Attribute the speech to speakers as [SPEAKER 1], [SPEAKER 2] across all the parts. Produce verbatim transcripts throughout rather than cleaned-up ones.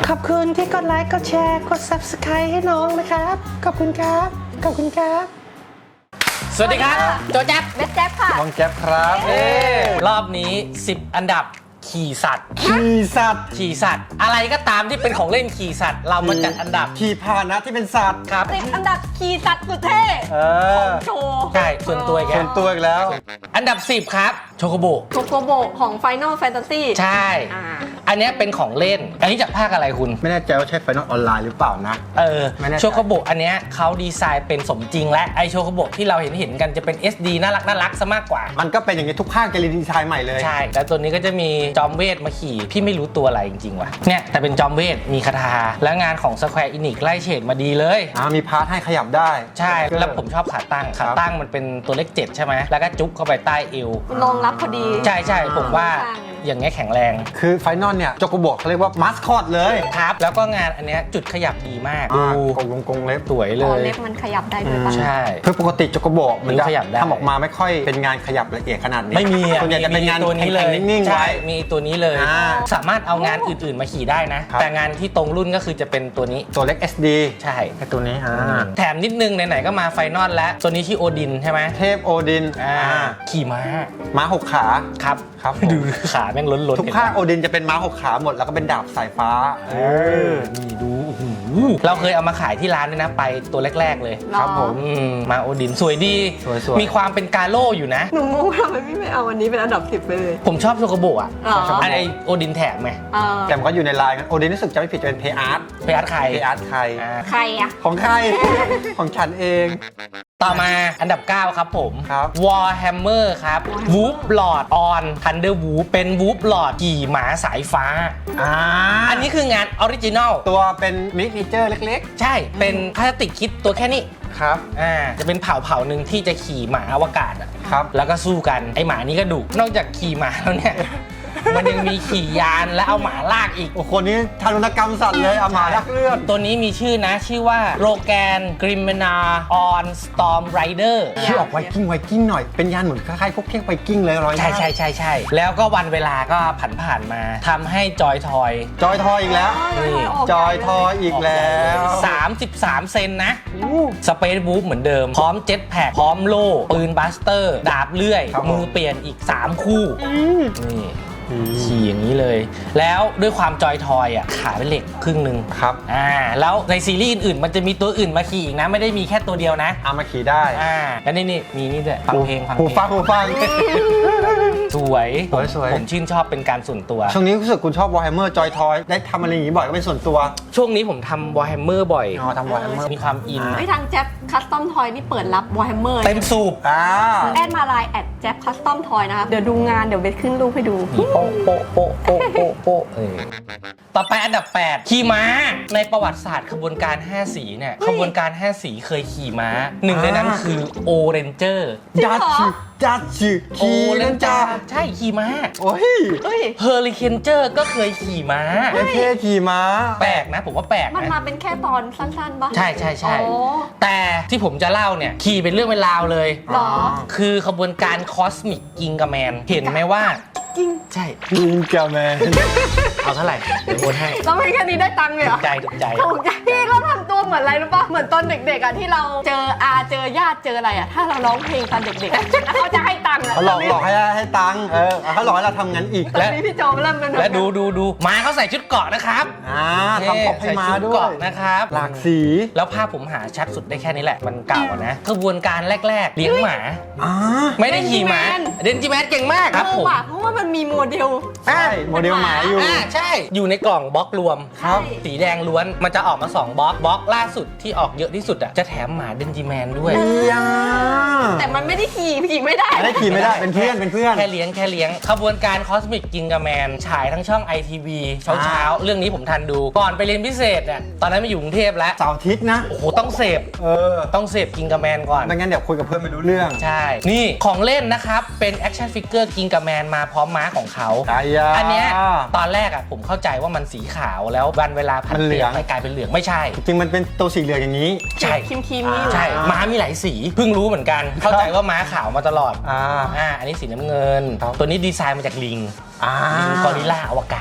[SPEAKER 1] ขอบคุณที่กดไลค์กดแชร์กด ซับสไครบ์ ให้น้องนะครับขอบคุณครับขอบคุณครับ
[SPEAKER 2] สวัสดีครับโจแจ๊บ
[SPEAKER 3] เบสแจ๊บค่ะ
[SPEAKER 4] น้องแจ๊บครับเอ
[SPEAKER 2] รอบนี้สิบอันดับขี่สัตว์
[SPEAKER 4] ขี่สัตว์
[SPEAKER 2] ขี่สัตว์อะไรก็ตามที่เป็นของเล่นขี่สัตว์เรามาจัดอันดับ
[SPEAKER 4] ขี่พาหนะที่เป็นสัตว์
[SPEAKER 2] ครับ
[SPEAKER 3] สิบอันดับขี่สัตว์สุดเท่ของโชว์
[SPEAKER 2] ใช่ส่วนตัวอีก
[SPEAKER 4] ส่วนตัวอีกแล้ว
[SPEAKER 2] อันดับสิบครับโชโกโบ
[SPEAKER 3] โชโกโบของ Final Fantasy
[SPEAKER 2] ใช่อันนี้เป็นของเล่นอันนี้จากภาคอะไรคุณ
[SPEAKER 4] ไม่แน่ใจว่าใช่ไฟนอลออนไลน์หรือเปล่านะ
[SPEAKER 2] เออโชโกโบอันนี้เขาดีไซน์เป็นสมจริงและไอโชโกโบที่เราเห็นเห็นกันจะเป็น เอส ดี น่ารักน่ารักซะมากกว่า
[SPEAKER 4] มันก็เป็นอย่างนี้ทุกภาคจะรีดีไซน์ใหม่เลย
[SPEAKER 2] ใช่แล้วตัวนี้ก็จะมีจอมเวทมาขี่พี่ไม่รู้ตัวอะไรจริงๆว่ะเนี่ยแต่เป็นจอมเวทมีคาถาและงานของ Square Enix ไล่เฉดมาดีเลย
[SPEAKER 4] อ่ามีพาร์ทให้ขยับได้
[SPEAKER 2] ใช่แล้วผมชอบขาตั้งขาตั้งมันเป็นตัวเลขเจ็ดใช่ไหมแล้วก็จุ๊บเข้าไปใต้เอว
[SPEAKER 3] รองรับพอดี
[SPEAKER 2] ใช่ใช่ผมว่าอย่างเงี้ยแข็งแรง
[SPEAKER 4] คือไฟนอลเนี่ยโจโกโบเขาเรียกว่ามาสคอตเลย
[SPEAKER 2] ครับแล้วก็งานอันเนี้ยจุดขยับดีมาก
[SPEAKER 4] ดูกงลงกงเล็บ
[SPEAKER 2] สวยเลย
[SPEAKER 3] เล็บมันขยับได้ด้วยป่ะ
[SPEAKER 2] ใช่
[SPEAKER 4] คือปกติโจโกโบมันจะทำออกมาไม่ค่อยเป็นงานขยับละเอียดขนาดนี้
[SPEAKER 2] ไม่มี
[SPEAKER 4] ส่วนใหญ่จะเป็นงาน
[SPEAKER 2] ตัวนี้เลย
[SPEAKER 4] นิ่งๆไว้
[SPEAKER 2] มีตัวนี้เลยสามารถเอางานอื่นๆมาขี่ได้นะแต่งานที่ตรงรุ่นก็คือจะเป็นตัวนี้
[SPEAKER 4] ตัวเล็ก เอส ดี
[SPEAKER 2] ใช่
[SPEAKER 4] แค่ตัวนี้
[SPEAKER 2] แถมนิดนึงไหนๆก็มาไฟนอลแล้วตัวนี้ชื่อโอดินใช่ไหม
[SPEAKER 4] เทพโอดิน
[SPEAKER 2] ขี่ม้า
[SPEAKER 4] ม้าหกขา
[SPEAKER 2] ครับ
[SPEAKER 4] ครับ
[SPEAKER 2] ดูขาแม่งล้นๆ
[SPEAKER 4] ทุกภาคโอดินจะเป็นม้าหกขาหมดแล้วก็เป็นดาบสายฟ้าเออ
[SPEAKER 2] นี่ดูเราเคยเอามาขายที่ร้านด้วยนะไปตัวแรกๆเลย
[SPEAKER 4] ครับผม
[SPEAKER 2] มาโอดินสวยดีมีความเป็นกาโล่อยู่นะ
[SPEAKER 3] หนูงงทำไมพี่ไม่เอาวันนี้เป็นอันดับสิบไปเลย
[SPEAKER 2] ผมชอบโชโกโบอ่ะอะไรโอดินแถมไง
[SPEAKER 4] แต่มันก็อยู่ในไลน์กันโอดินรู้สึกจะไม่ผิดจะเป็นเพย์อาร์ต
[SPEAKER 2] เพย์อาร์ตใคร
[SPEAKER 4] เพย์อาร์ตใคร
[SPEAKER 3] ใครอะ
[SPEAKER 4] ของใครของฉันเอง
[SPEAKER 2] ต่อมาอันดับเก้าครับผม
[SPEAKER 4] ครับ
[SPEAKER 2] Warhammer ครับ Wolf Lord on Thunder Wolf เป็น Wolf Lord ขี่หมาสายฟ้า
[SPEAKER 4] อ่า
[SPEAKER 2] อันนี้คืองานออริจินอล
[SPEAKER 4] ตัวเป็นมินิเจอร์เล็ก
[SPEAKER 2] ๆใช่เป็นพลาสติกคิดตัวแค่นี้
[SPEAKER 4] ครับ
[SPEAKER 2] อ่าจะเป็นเผ่าเผ่าหนึ่งที่จะขี่หมาอวกาศอ่ะ
[SPEAKER 4] ครับ
[SPEAKER 2] แล้วก็สู้กันไอหมานี้ก็ดุนอกจากขี่หมาแล้วเนี่ยมันยังมีขี่ยานและเอาหมาลากอีก
[SPEAKER 4] โอ้คนนี้ทารุณกรรมสัตว์เลยเอาหมาลากเลือด
[SPEAKER 2] ตัวนี้มีชื่อนะชื่อว่าโรแกนกริมเมนาออนสตอร์มไรเดอร์
[SPEAKER 4] ชื่อออกไวกิ้งไวกิ้งหน่อยเป็นยานเหมือนคล้ายๆพวกเค้กไวกิ้งเลยร้อย
[SPEAKER 2] ใช่ใช่ใช่ใช่แล้วก็วันเวลาก็ผันผ่านมาทำให้จอยทอย
[SPEAKER 4] จอยทอยอีกแล้ว
[SPEAKER 2] นี่
[SPEAKER 4] จอยทอยอีกแล้ว
[SPEAKER 2] สามสิบสามเซนนะสเปซบู๊เหมือนเดิมพร้อมเจ็ตแพ็คพร้อมโล่ปืนบัสเตอร์ดาบเลื่อยมือเปลี่ยนอีกสามคู่นี่ขี่อย่างนี้เลยแล้วด้วยความจอยทอยอ่ะขาเป็นเหล็กครึ่งหนึ่ง
[SPEAKER 4] ครับ
[SPEAKER 2] อ่าแล้วในซีรีส์อื่นๆมันจะมีตัวอื่นมาขี่อีกนะไม่ได้มีแค่ตัวเดียวนะ
[SPEAKER 4] เอามาขี่ได้
[SPEAKER 2] อ่าแล้วนี่นี่มีนี่ด้วยฟังเพลงฟัง
[SPEAKER 4] หูฟังหูฟัง
[SPEAKER 2] สวย
[SPEAKER 4] สวย
[SPEAKER 2] ผมชื่นชอบเป็นการส่วนตัว
[SPEAKER 4] ช่วงนี้รู้สึกคุณชอบ Warhammer จอยทอยได้ทำอะไรอย่างนี้บ่อยก็เป็นส่วนตัว
[SPEAKER 2] ช่วงนี้ผมทำ Warhammer บ่อย
[SPEAKER 4] อ๋อทำ Warhammer
[SPEAKER 2] มีความอิน
[SPEAKER 3] ไอ้ทางแจ๊บคัสตอมทอยนี่เปิดรับ Warhammer
[SPEAKER 2] เต็มสูบ
[SPEAKER 4] อ่า
[SPEAKER 3] แอดมาไลน์แอดแจ๊บคัสตอมทอยนะครับเดี๋ยวดูงานเดี๋ยวเบสขึ้นรูปให้ดู
[SPEAKER 2] โป๊ะโป๊ะโป๊ะโป๊ะโป๊ะโป๊ะเออต่อไปอันดับแปดขี่ม้าในประวัติศาสตร์ขบวนการห้าสีเนี่ยขบวนการห้าสีเคยขี่ม้าหนึ่งในนั้นคือโอเรนเจอร์
[SPEAKER 4] จัดชื่อจัดชื่อขี่เล่นจ้า
[SPEAKER 2] ใช่ขี่ม้า
[SPEAKER 4] โอ้ย
[SPEAKER 2] เฮอริเคนเจอร์ก็เคยขี่ม้า
[SPEAKER 4] เอเคขี่ม้า
[SPEAKER 2] แปลกนะผมว่าแปลกนะ
[SPEAKER 3] มันมาเป็นแค่ตอนสั้นๆปะ
[SPEAKER 2] ใช่ใช่ใช่แต่ที่ผมจะเล่าเนี่ยขี่เป็นเรื่องเป็นราวเลย
[SPEAKER 3] หรอ
[SPEAKER 2] คือขบวนการคอสมิกกิงกาแมนเห็นไหมว่า
[SPEAKER 3] กิ้ง
[SPEAKER 2] ใช่
[SPEAKER 4] กิงกาแมน
[SPEAKER 2] เอาเท่าไหร่เดี๋ยวโอนให้
[SPEAKER 3] เราไม่แค่นี้ได้ตังค์เลยเหรอ
[SPEAKER 2] ถูกใจถูกใจ
[SPEAKER 3] ถูกใจพี่เขาทำตัวเหมือนอะไรรู้ปะเหมือนตอนเด็กๆอ่ะที่เราเจออาเจอญาติเจออะไรอ่ะถ้าเราร้องเพลงตอนเด็กๆแล้วเขาจะให้ตังค์
[SPEAKER 4] เขาหลอกหลอกให้ให้ตังค์เออเขาหลอกให้เราทำงั้นอีก
[SPEAKER 3] แล้วพี่โจเริ่มเป็น
[SPEAKER 2] และดูดูดูม้าเขาใส่ชุดเกราะนะครับ
[SPEAKER 4] อ่าทำปกให้ม้าด้วย
[SPEAKER 2] นะครับ
[SPEAKER 4] หลากสี
[SPEAKER 2] แล้วภาพผมหาชัดสุดได้แค่นี้แหละมันเก่านะขบวนการแรกๆเลี้ยงหมาไม่ได้ขี่ม้าเดนจิแมนเก่งมากครับผม
[SPEAKER 3] เพราะว่ามันมีโมเดล
[SPEAKER 4] ใช่โมเดลหมาอยู่
[SPEAKER 2] อ่าใช่อยู่ในกล่องบล็อกรวม
[SPEAKER 4] ครับ
[SPEAKER 2] สีแดงล้วนมันจะออกมาสองบล็อกบล็อกล่าสุดที่ออกเยอะที่สุดอ่ะจะแถมหมาเดนจิแมนด้วย
[SPEAKER 3] แต่มันไม่ได้ขี่ขี่ไม่ได้
[SPEAKER 4] ไม่ได้ขี่ไม่ได้เป็นเพื่อนเป็นเพื่อน
[SPEAKER 2] แค่เลี้ยงแค่เลี้ยงขบวนการคอสมิกกิงกาแมนฉายทั้งช่อง ไอ ที วี เช้าเช้าเรื่องนี้ผมทันดูก่อนไปเรียนพิเศษเนี่ยตอนนั้นมาอยู่กรุงเทพแล้ว
[SPEAKER 4] เสาร์อาทิตย์นะ
[SPEAKER 2] โอ้โหต้องเสพ
[SPEAKER 4] เออ
[SPEAKER 2] ต้องเสพกิงกาแมนก่อน
[SPEAKER 4] ไม่งั้นเดี๋ยวคุยกับเพื่อนไม่รู้เรื่อง
[SPEAKER 2] ใช่นี่ของเล่นนะครับเป็นแอคชั่นฟิกเกอร์กิงกาแมนมาพร้อมม้าของเขาอันเนี้ยตอนแรกอ่ะผมเข้าใจว่ามันสีขาวแล้ววันเวลาพันเปลี่ยนไปกลายเป็นเหลืองไม่ใช่
[SPEAKER 4] จริงมันเป็นตัวสีเหลืองอย่างนี้
[SPEAKER 2] ใช่
[SPEAKER 3] คิมคิมนี่
[SPEAKER 2] ใช่ม้ามีหลายสีเพิ่งรู้เหมือนกันเข้าใจว่าม้าขาวมาตลอด
[SPEAKER 4] อ่า
[SPEAKER 2] อ่าอันนี้สีน้ำเงินตัวนี้ดีไซน์มาจากลิงลิงกอริลลาอวกาศ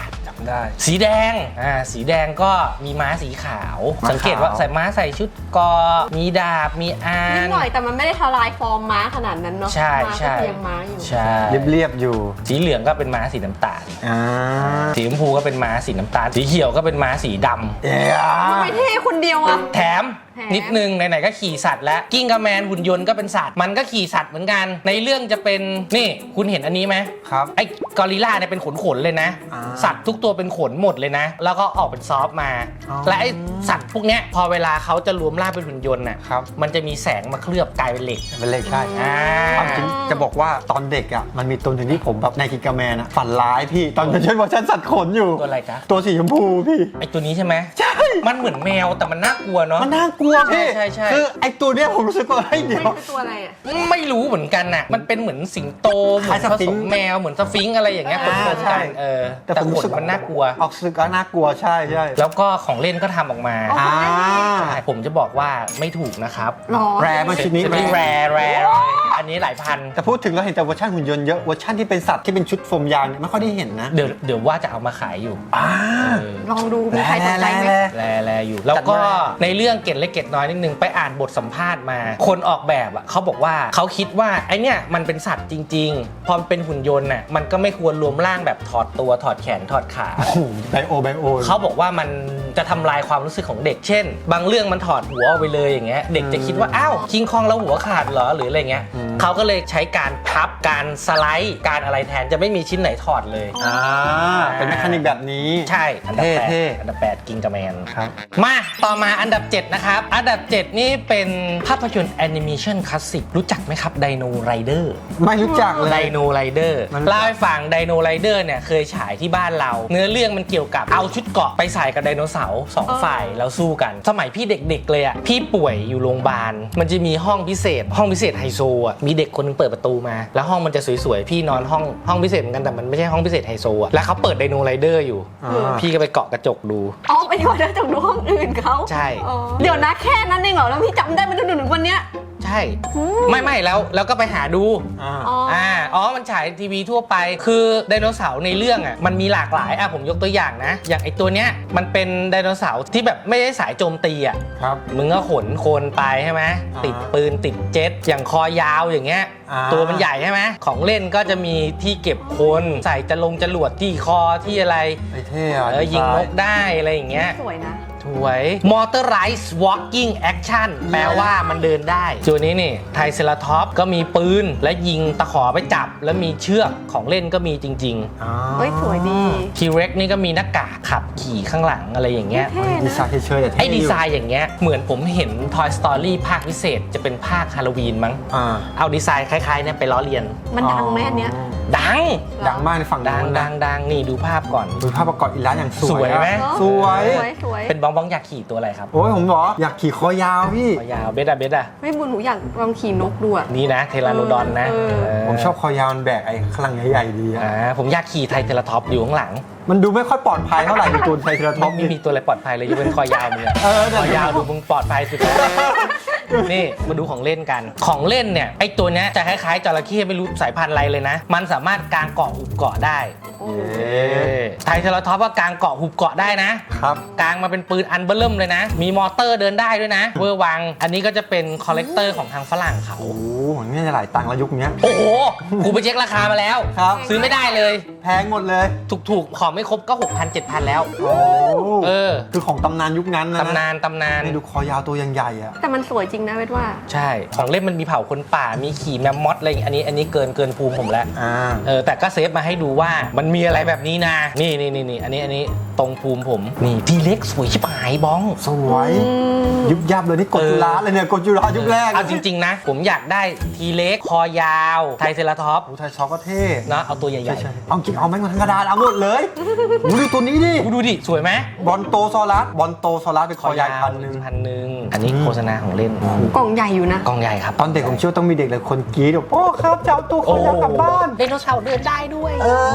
[SPEAKER 2] ได้สีแดงอ่าสีแดงก็มีม้าสีขาว
[SPEAKER 4] ม้าขาว
[SPEAKER 2] สังเกตว่าใส่ม้าใส่ชุดกอมีดาบมีอา
[SPEAKER 3] นิด
[SPEAKER 2] น
[SPEAKER 3] หน่อยแต่มันไม่ได้ทลายฟอร์มม้าขนาดนั้นเนาะ
[SPEAKER 2] ใช่
[SPEAKER 3] ม้า
[SPEAKER 2] ใช่
[SPEAKER 3] ก็ยังม้าอยู่
[SPEAKER 2] ใช่
[SPEAKER 4] เรียบๆอยู่
[SPEAKER 2] สีเหลืองก็เป็นม้าสีน้ำตาล
[SPEAKER 4] อ่า
[SPEAKER 2] สีชมพูก็เป็นม้าสีน้ำตาลสีเขียวก็เป็นม้าสีดำ
[SPEAKER 4] เอ๊ะ
[SPEAKER 3] ทำไมเท่คนเดียวอะ
[SPEAKER 2] แถม
[SPEAKER 3] แถม
[SPEAKER 2] นิดนึงไหนๆก็ขี่สัตว์แล้วกิ้งกระแมนหุ่นยนต์ก็เป็นสัตว์มันก็ขี่สัตว์เหมือนกัน ในเรื่องจะเป็นนี่คุณเห็นอันนี้ไหม
[SPEAKER 4] ครับ
[SPEAKER 2] ไอ้กอริลลาเนี่ยเป็นขนขนๆเลยนะ
[SPEAKER 4] อ่า
[SPEAKER 2] สัตว์ทุกตัวเป็นขนหมดเลยนะ แล้วก็ออกเป็นซอฟต์มา
[SPEAKER 4] อ๋อ
[SPEAKER 2] และไอ้สัตว์พวกเนี้ยพอเวลาเขาจะรวมร่างเป็นหุ่นยนต์น่ะ
[SPEAKER 4] ครับ
[SPEAKER 2] มันจะมีแสงมาเคลือบกลายเป็นเหล็ก
[SPEAKER 4] เป็นเลขใช่
[SPEAKER 2] อ่า
[SPEAKER 4] ความจริงจะบอกว่าตอนเด็กอ่ะมันมีตัวหนึ่งที่ผมแบบในกิกาแมนอ่ะฝันร้ายพี่ตอนเป็นเวอร์ชันสัตว์ขนอยู่
[SPEAKER 2] ตัวอะไรจ๊ะ
[SPEAKER 4] ตัวสีชมพูพี่
[SPEAKER 2] ไอ้ตัวนี้ใช่ไหม
[SPEAKER 4] ใช่
[SPEAKER 2] มันเหมือนแมวแต่มันน่ากลัวเนาะ
[SPEAKER 4] มันน่ากลัวพี่
[SPEAKER 2] ใช่ใช่ใช่
[SPEAKER 4] คือไอ้ตัวเนี้ยผมรู้สึกว่าเฮ้ยเดี๋
[SPEAKER 3] มั
[SPEAKER 4] ย
[SPEAKER 3] น
[SPEAKER 4] ว
[SPEAKER 3] คือตัวอะไรอะ
[SPEAKER 2] ไม่รู้เหมือนกันน่ะมันเป็นเหมือนสิงโตเหมือน
[SPEAKER 4] คล้าย
[SPEAKER 2] ผ
[SPEAKER 4] สฟิ
[SPEAKER 2] ส
[SPEAKER 4] ง
[SPEAKER 2] ม
[SPEAKER 4] ค์
[SPEAKER 2] แมวเหมือนสฟิงค์อะไรอย่างเงี้ย
[SPEAKER 3] อ่า
[SPEAKER 2] ผสม
[SPEAKER 4] ใช่
[SPEAKER 2] กันเออแต่
[SPEAKER 4] แต่ผม
[SPEAKER 2] ข
[SPEAKER 4] รู้
[SPEAKER 2] น
[SPEAKER 4] สึก
[SPEAKER 2] มันน่ากลัว
[SPEAKER 4] ออกสึกก็น่ากลัวใช่ใช่
[SPEAKER 2] แล้วก็ของเล่นก็ทำออกมา
[SPEAKER 3] อ๋อ
[SPEAKER 4] อ่า
[SPEAKER 2] ใช่ผมจะบอกว่าไม่ถูกนะครับ
[SPEAKER 3] หรอ
[SPEAKER 4] แรร์มาชิ้นนี้
[SPEAKER 2] จะไม่แรร์แรร์เลยอันนี้หลายพัน
[SPEAKER 4] แต่พูดถึงเราเห็นแต่เวอร์ชันหุ่นยนต์เยอะเวอร์ชันที่เป็นสัตว์ที่เป็นชุดโฟมยางเนี่ยไม่ค่อยได้เห็นนะ
[SPEAKER 2] เดี๋ยวเดี๋ยวว่าจะเอามาขายอยู่
[SPEAKER 4] อ่า
[SPEAKER 2] เออ
[SPEAKER 3] ลองดูมีใครสนใจไหม
[SPEAKER 4] แร่
[SPEAKER 2] แรแรอยู่ แล้วก็
[SPEAKER 4] จัดมา
[SPEAKER 2] ในเรื่องเกร็ดเล็กเกร็ดน้อยนิดนึงไปอ่านบทสัมภาษณ์มา คนออกแบบอ่ะเขาบอกว่าเขาคิดว่าไอเนี้ยมันเป็นสัตว์จริง ๆ พอมันเป็นหุ่นยนต์น่ะมันก็ไม่ควรรวมร่างแบบถอดตัวถอดแขนถอดขา
[SPEAKER 4] โอ้โหไบโอไบโอ
[SPEAKER 2] เขาบอกว่ามันจะทำลายความรู้สึกของเด็ก เช่น บางเรื่องมันถอดหัวออกไปเลยอย่างเงี้ย เด็กจะคิดว่า อ้าว คิงคองแล้วหัวขาดเหรอ หรืออะไรเงี้ย เขาก็เลยใช้การพับ การสไลด์ การอะไรแทน จะไม่มีชิ้นไหนถอดเลย
[SPEAKER 4] อ่าเป็นแมคานิกแบบนี้
[SPEAKER 2] ใช่ อันดับแปด
[SPEAKER 4] เท่ๆ
[SPEAKER 2] อันดับแปดกิงกาแมน
[SPEAKER 4] ครับ
[SPEAKER 2] มา ต่อมาอันดับ เจ็ด นะครับ อันดับ เจ็ด นี่เป็นภาพยนตร์แอนิเมชันคลาสสิก รู้จักไหมครับไดโนไรเดอร์
[SPEAKER 4] ไม่รู้จักเลย
[SPEAKER 2] ไดโนไรเดอร์
[SPEAKER 4] มัน
[SPEAKER 2] เล่าให้ฟังไดโนไรเดอร์เนี่ยเคยฉายที่บ้านเรา เนื้อเรื่องมันเกี่ยวกับเอาชุดเกราะไปใส่กับไดโนเสาร์สองฝ่ายแล้วสู้กัน สมัยพี่เด็กๆเลยอ่ะพี่ป่วยอยู่โรงพยาบาลมันจะมีห้องพิเศษ ห้องพิเศษไฮโซอ่ะมีเด็กคนนึงเปิดประตูมา แล้วห้องมันจะสวยๆพี่นอนห้องห้องพิเศษเหมือนกันแต่มันไม่ใช่ห้องพิเศษไฮโซอ่ะแล้วเขาเปิดไดโนไรเดอร์อยู่
[SPEAKER 4] อ่า
[SPEAKER 2] พี่ก็ไปเกาะกระจกดู
[SPEAKER 3] อ๋อไปดูได้จากดูห้องอื่นเขา
[SPEAKER 2] ใช่
[SPEAKER 3] อ๋อเดี๋ยวนะแค่นั้นเองเหรอแล้วพี่จำได้มาจนถึงวันเนี้ย
[SPEAKER 2] ใช่ไม่ไม่แล้วแล้วก็ไปหาดู
[SPEAKER 4] อ่า
[SPEAKER 3] อ๋อ
[SPEAKER 2] อ่า อ๋อ มันฉายทีวีทั่วไป คือไดโนเสาร์ในเรื่องอ่ะ มันมีหลากหลาย อ่ะ ผมยกตัวอย่างนะ อย่างไอตัวเนี้ย มันเป็นไดโนเสาร์ที่แบบไม่ได้สายโจมตีอ่ะ
[SPEAKER 4] ครับ
[SPEAKER 2] มึงก็ขนโคนไปใช่ไหม
[SPEAKER 4] อ่า
[SPEAKER 2] ติดปืนติดเจ็ต อย่างคอยาวอย่างเงี้ย
[SPEAKER 4] อ่า
[SPEAKER 2] ตัวมันใหญ่ใช่ไหม ของเล่นก็จะมีที่เก็บคน ใส่จะลงจรวดที่คอที่อะไร
[SPEAKER 4] ไอ้เท่อะ
[SPEAKER 2] เออ ยิงนกได้อะไรอย่างเงี้ย
[SPEAKER 3] สวยนะ
[SPEAKER 2] สวย Motorized Walking Action แปลว่ามันเดินได้ตัวนี้นี่ไทเซราท็อปก็มีปืน และยิงตะขอไปจับ แล้วมีเชือกของเล่นก็มีจริง
[SPEAKER 4] อ่า
[SPEAKER 3] เฮ้ยสวยดี
[SPEAKER 2] ๆ T-Rex นี่ก็มีหน้ากากขับขี่ข้างหลังอะไรอย่างเงี้ย
[SPEAKER 3] เท่
[SPEAKER 4] ดี
[SPEAKER 3] นะ
[SPEAKER 4] ไซน์เฉยๆแต่เท่
[SPEAKER 2] ไอ้ดีไซ
[SPEAKER 4] อยู่
[SPEAKER 2] น์อย่างเงี้ยเหมือนผมเห็น Toy Story ภาคพิเศษจะเป็นภาคฮาโลวีนมั้ง
[SPEAKER 4] อ่า
[SPEAKER 2] เอาดีไซน์คล้ายๆเนี่ยไปล้อเลียน
[SPEAKER 3] มันดังไหมอันเนี้ย
[SPEAKER 2] ดัง
[SPEAKER 4] ดังมากในฝั่ง
[SPEAKER 2] ดัง
[SPEAKER 4] นู้น
[SPEAKER 2] ดั
[SPEAKER 4] นะ
[SPEAKER 2] งดังนี่ดูภาพก่อน
[SPEAKER 4] ดูภาพประกอบอีกแล้วอย่างสวย
[SPEAKER 2] สวยไหม
[SPEAKER 4] อะ
[SPEAKER 3] เนอะ
[SPEAKER 4] สวย
[SPEAKER 3] สวยสวย
[SPEAKER 2] เป็นบ้องบ้องอยากขี่ตัวอะไรครับ
[SPEAKER 4] โอ้ยผมบอกอยากขี่คอยาวพี่
[SPEAKER 2] คอยาวเบสอะเบสอะ
[SPEAKER 3] ไม่บุญหนูอยากลองขี่นกดูอะ
[SPEAKER 2] นี่นะเทราโนดอนนะ
[SPEAKER 3] เออ
[SPEAKER 2] เออ
[SPEAKER 4] ผมชอบคอยาวมันแบกไอ้ข้างหลังใหญ่ๆดีอะ
[SPEAKER 2] อ่าผมอยากขี่ไทเทราท็อปอยู่ข้างหลัง
[SPEAKER 4] มันดูไม่ค่อยปลอดภัยเท่าไหร่ในตัวไทรเทราท็อป
[SPEAKER 2] ไม่
[SPEAKER 4] นี่
[SPEAKER 2] มีตัวอะไรปลอดภัยเลยยกเว้นคอยาวมึงอะ
[SPEAKER 4] เออ
[SPEAKER 2] คอยาวดูมึงปลอดภัยสุดแล้วนี่มาดูของเล่นกัน ของเล่นเนี่ยไอตัวเนี้ยจะคล้ายๆจระเข้ไม่รู้สายพันธุ์อะไรเลยนะ มันสามารถกางเกาะหุบเกาะได้
[SPEAKER 3] โอ้
[SPEAKER 4] เอ๊ะ
[SPEAKER 2] ไทเทราท็อปว่ากางเกาะหุบเกาะได้นะครับ กางมาเป็นปืนอันเบอร์เริ่มเลยนะ มีมอเตอร์เดินได้ด้วยนะเวอร์วัง อันนี้ก็จะเป็นคอลเลกเตอร์ของทางฝรั่งเขา
[SPEAKER 4] โอ้โหมันน่าจะหลายตังค์แล้วยุคเนี้ย
[SPEAKER 2] โอ้โหกูไปเช็คราคามาแล้ว
[SPEAKER 4] ครับ
[SPEAKER 2] ซื้อไม่ได้เลย
[SPEAKER 4] แพงหมดเลย
[SPEAKER 2] ถูกๆ ของไม่ครบก็ หกพัน เจ็ดพัน แล้ว
[SPEAKER 4] โอ้
[SPEAKER 2] เออ
[SPEAKER 4] คือของตำนานยุคนั้นนะ
[SPEAKER 2] ตำนานตำนาน
[SPEAKER 4] นี่ดูคอยาวตัวยังใหญ่อะ
[SPEAKER 3] แต่มันสวยจริงนะเวทว่า
[SPEAKER 2] ใช่ ของเล่นมันมีเผ่าคนป่า มีขี่แมมมอสอะไรอย่างอันนี้ อันนี้เกินเกินภูมิผมแล้ว
[SPEAKER 4] อ่า
[SPEAKER 2] เออ แต่ก็เซฟมาให้ดูว่ามันมีอะไรแบบนี้นะ นี่นี่นี่นี่อันนี้ อันนี้ตรงภูมิผม นี่ทีเล็กสวยชิบหายบ้อง
[SPEAKER 4] สวย ยุบยับเลยนี่กดจุฬาเลยเนี่ยกดจุฬายุคแรก
[SPEAKER 2] เอาจริง ๆ นะ ผมอยากได้ทีเล็กคอยาวไทเซราท็อป
[SPEAKER 4] โอ้ไทยช็อกก็เท่
[SPEAKER 2] เนาะเอาตัวใหญ่
[SPEAKER 4] ใช่ใช่เอาจริงเอาแม่งมาทั้งกระดาษเอาหมดเลยดูดิตัวนี้ดิ
[SPEAKER 2] ๆดูดิ สวยไหม
[SPEAKER 4] บอลโตซอรัสบอลโตซอรัสเป็นคอยาวพันหนึ่ง
[SPEAKER 2] พันหนึ่งอันนี้โฆษณาของเล่น
[SPEAKER 3] กล่องใหญ่อยู่นะ
[SPEAKER 2] กล่องใหญ่ครับ
[SPEAKER 4] ตอนเด็กผมเชื่อต้องมีเด็กหลายคนกรี๊ดบอกโอ้ครับจะเอาตัวคอยาวกลับบ้าน
[SPEAKER 2] ไดโนเสาร์เดินได้ด้วย
[SPEAKER 4] เอออยากได้